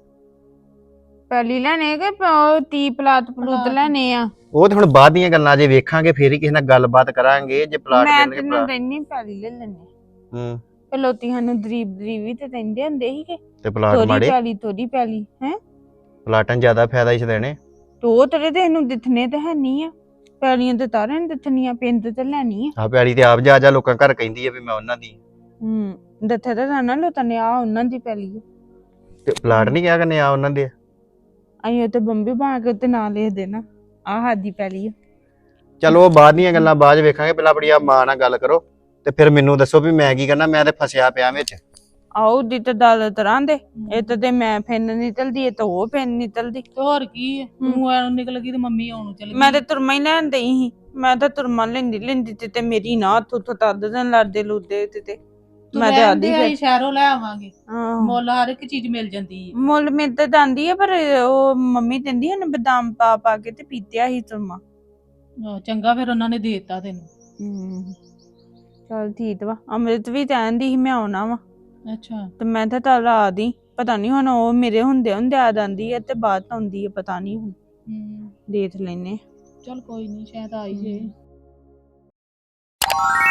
S7: ਪਹਿਲੀ ਲੈਣੇ ਕਿ ਤੀ ਪਲਾਟ ਪਲੂਤ ਲੈਣੇ ਆ?
S1: ਉਹ ਤੇ ਹੁਣ ਬਾਅਦ ਦੀਆਂ ਗੱਲਾਂ ਜੇ ਵੇਖਾਂਗੇ ਫੇਰ ਹੀ ਕਿਸੇ ਨਾਲ ਗੱਲਬਾਤ ਕਰਾਂਗੇ। ਜੇ ਪਲਾਟ
S7: ਮੈਂ
S1: ਦੇਣਗੇ
S7: ਤੈਨੂੰ ਕਹਿੰਨੀ ਪਹਿਲੀ ਲੈ ਲੈਣੇ
S1: ਹੂੰ
S7: ਲੋਤੀ ਸਾਨੂੰ ਦਰੀਬ ਵੀ ਤੇ ਕਹਿੰਦੇ ਹੁੰਦੇ ਸੀਗੇ
S1: ਤੇ ਪਲਾਟ
S7: ਥੋੜੀ
S1: ਮਾੜੇ
S7: ਪੈਲੀ ਹੈ
S1: ਪਲਾਟਾਂ ਜ਼ਿਆਦਾ ਫਾਇਦਾ ਇਸ ਦੇਣੇ।
S7: ਤੋ ਤੇਰੇ ਤੇ ਇਹਨੂੰ ਦਿਥਨੇ ਤੇ ਹੈ ਨਹੀਂ ਆ ਪੈਲੀਆਂ ਤੇ ਤਾਰੇ ਨੇ ਦਿਥਨੀਆਂ ਪਿੰਡ ਤੇ ਲੈਣੀ ਆ।
S1: ਆ ਪਿਆਲੀ ਤੇ ਆਪ ਜਾ ਲੋਕਾਂ ਘਰ ਕਹਿੰਦੀ ਆ ਵੀ ਮੈਂ ਉਹਨਾਂ ਦੀ।
S7: ਦੱਥੇ ਤਾਂ ਨਾ ਲੋਤਾਂ ਨੇ ਆ ਉਹਨਾਂ ਦੀ ਪੈਲੀ
S1: ਤੇ ਪਲਾਟ ਨਹੀਂ ਕਿਹਾ ਕਰਨੇ ਆ ਉਹਨਾਂ ਦੇ।
S7: ਅਸੀਂ ਉੱਤੇ ਬੰਬੀ ਬਣਾ ਕੇ ਉੱਤੇ ਨਾਂ ਲਿਖ ਦੇਣਾ ਆ ਸਾਡੀ ਪੈਲੀ ਆ।
S1: ਚਲੋ ਉਹ ਬਾਅਦ ਦੀਆਂ ਗੱਲਾਂ ਬਾਅਦ 'ਚ ਵੇਖਾਂਗੇ, ਪਹਿਲਾਂ ਆਪਣੀ ਆ ਮਾਂ ਨਾਲ ਗੱਲ ਕਰੋ ਤੇ ਫਿਰ ਮੈਨੂੰ ਦੱਸੋ ਵੀ ਮੈਂ ਕੀ ਕਰਨਾ। ਮੈਂ ਤੇ ਫਸਿਆ ਪਿਆ ਵਿੱਚ।
S7: ਆਓ ਦੀ ਤੇ ਦਲ ਤਰ੍ਹਾਂ ਦੇ ਇਹ ਤੇ ਮੈਂ ਫਿੰਨ ਨਿਕਲਦੀ ਇਹ ਤਾਂ ਉਹ ਫਿੰਨ ਨਿਕਲਦੀ।
S9: ਤੇ ਹੋਰ ਕੀ ਹੈ, ਤੂੰ ਐਨੂੰ ਨਿਕਲ ਗਈ ਤੇ ਮੰਮੀ ਆਉਣ ਚਲ ਗਈ।
S7: ਮੈਂ ਤੇ ਤੁਰਮਾ ਹੀ ਲੈਣ ਦਈ ਸੀ, ਮੈਂ ਤਾਂ ਤੁਰਮਾ ਲੈਂਦੀ ਤੇ ਮੇਰੀ ਨਾ ਥੁੱਥ ਤੱਦ ਦਿਨ ਲੜਦੇ ਲੁੱਦੇ ਤੇ ਮੈਂ ਤੇ ਆਦੀ
S9: ਫਿਰ ਸ਼ਹਿਰੋਂ ਲੈ ਆਵਾਂਗੇ,
S7: ਹਾਂ
S9: ਮੁੱਲ ਹਰ ਇੱਕ ਚੀਜ਼ ਮਿਲ ਜਾਂਦੀ ਹੈ।
S7: ਮੁੱਲ ਮਿਲ ਤਾਂ ਜਾਂਦੀ ਹੈ ਪਰ ਉਹ ਮੰਮੀ ਕਹਿੰਦੀ ਹਨ ਬਦਾਮ ਪਾ ਕੇ ਤੇ ਪੀਤਿਆ ਸੀ ਤੁਰਮਾ।
S9: ਚੰਗਾ ਫਿਰ ਉਹਨਾਂ ਨੇ ਦੇ ਦਿੱਤਾ ਤੈਨੂੰ।
S7: ਚਲ ਠੀਕ ਵਾ। ਅੰਮ੍ਰਿਤ ਵੀ ਕਹਿੰਦੀ ਸੀ ਮੈਂ ਆਉਣਾ ਵਾ।
S9: ਅੱਛਾ
S7: ਤੇ ਮੈਂ ਤਾਂ ਚੱਲ ਆ ਦੀ, ਪਤਾ ਨਹੀਂ ਹੁਣ ਉਹ ਮੇਰੇ ਹੁੰਦੇ ਆ ਜਾਂਦੀ ਹੈ ਤੇ ਬਾਅਦ ਆਉਂਦੀ ਹੈ ਪਤਾ ਨਹੀਂ ਹੁਣ ਦੇਖ ਲੈਨੇ।
S9: ਚਲ ਕੋਈ ਨਹੀਂ ਸ਼ਾਇਦ ਆ ਹੀ ਜੇ।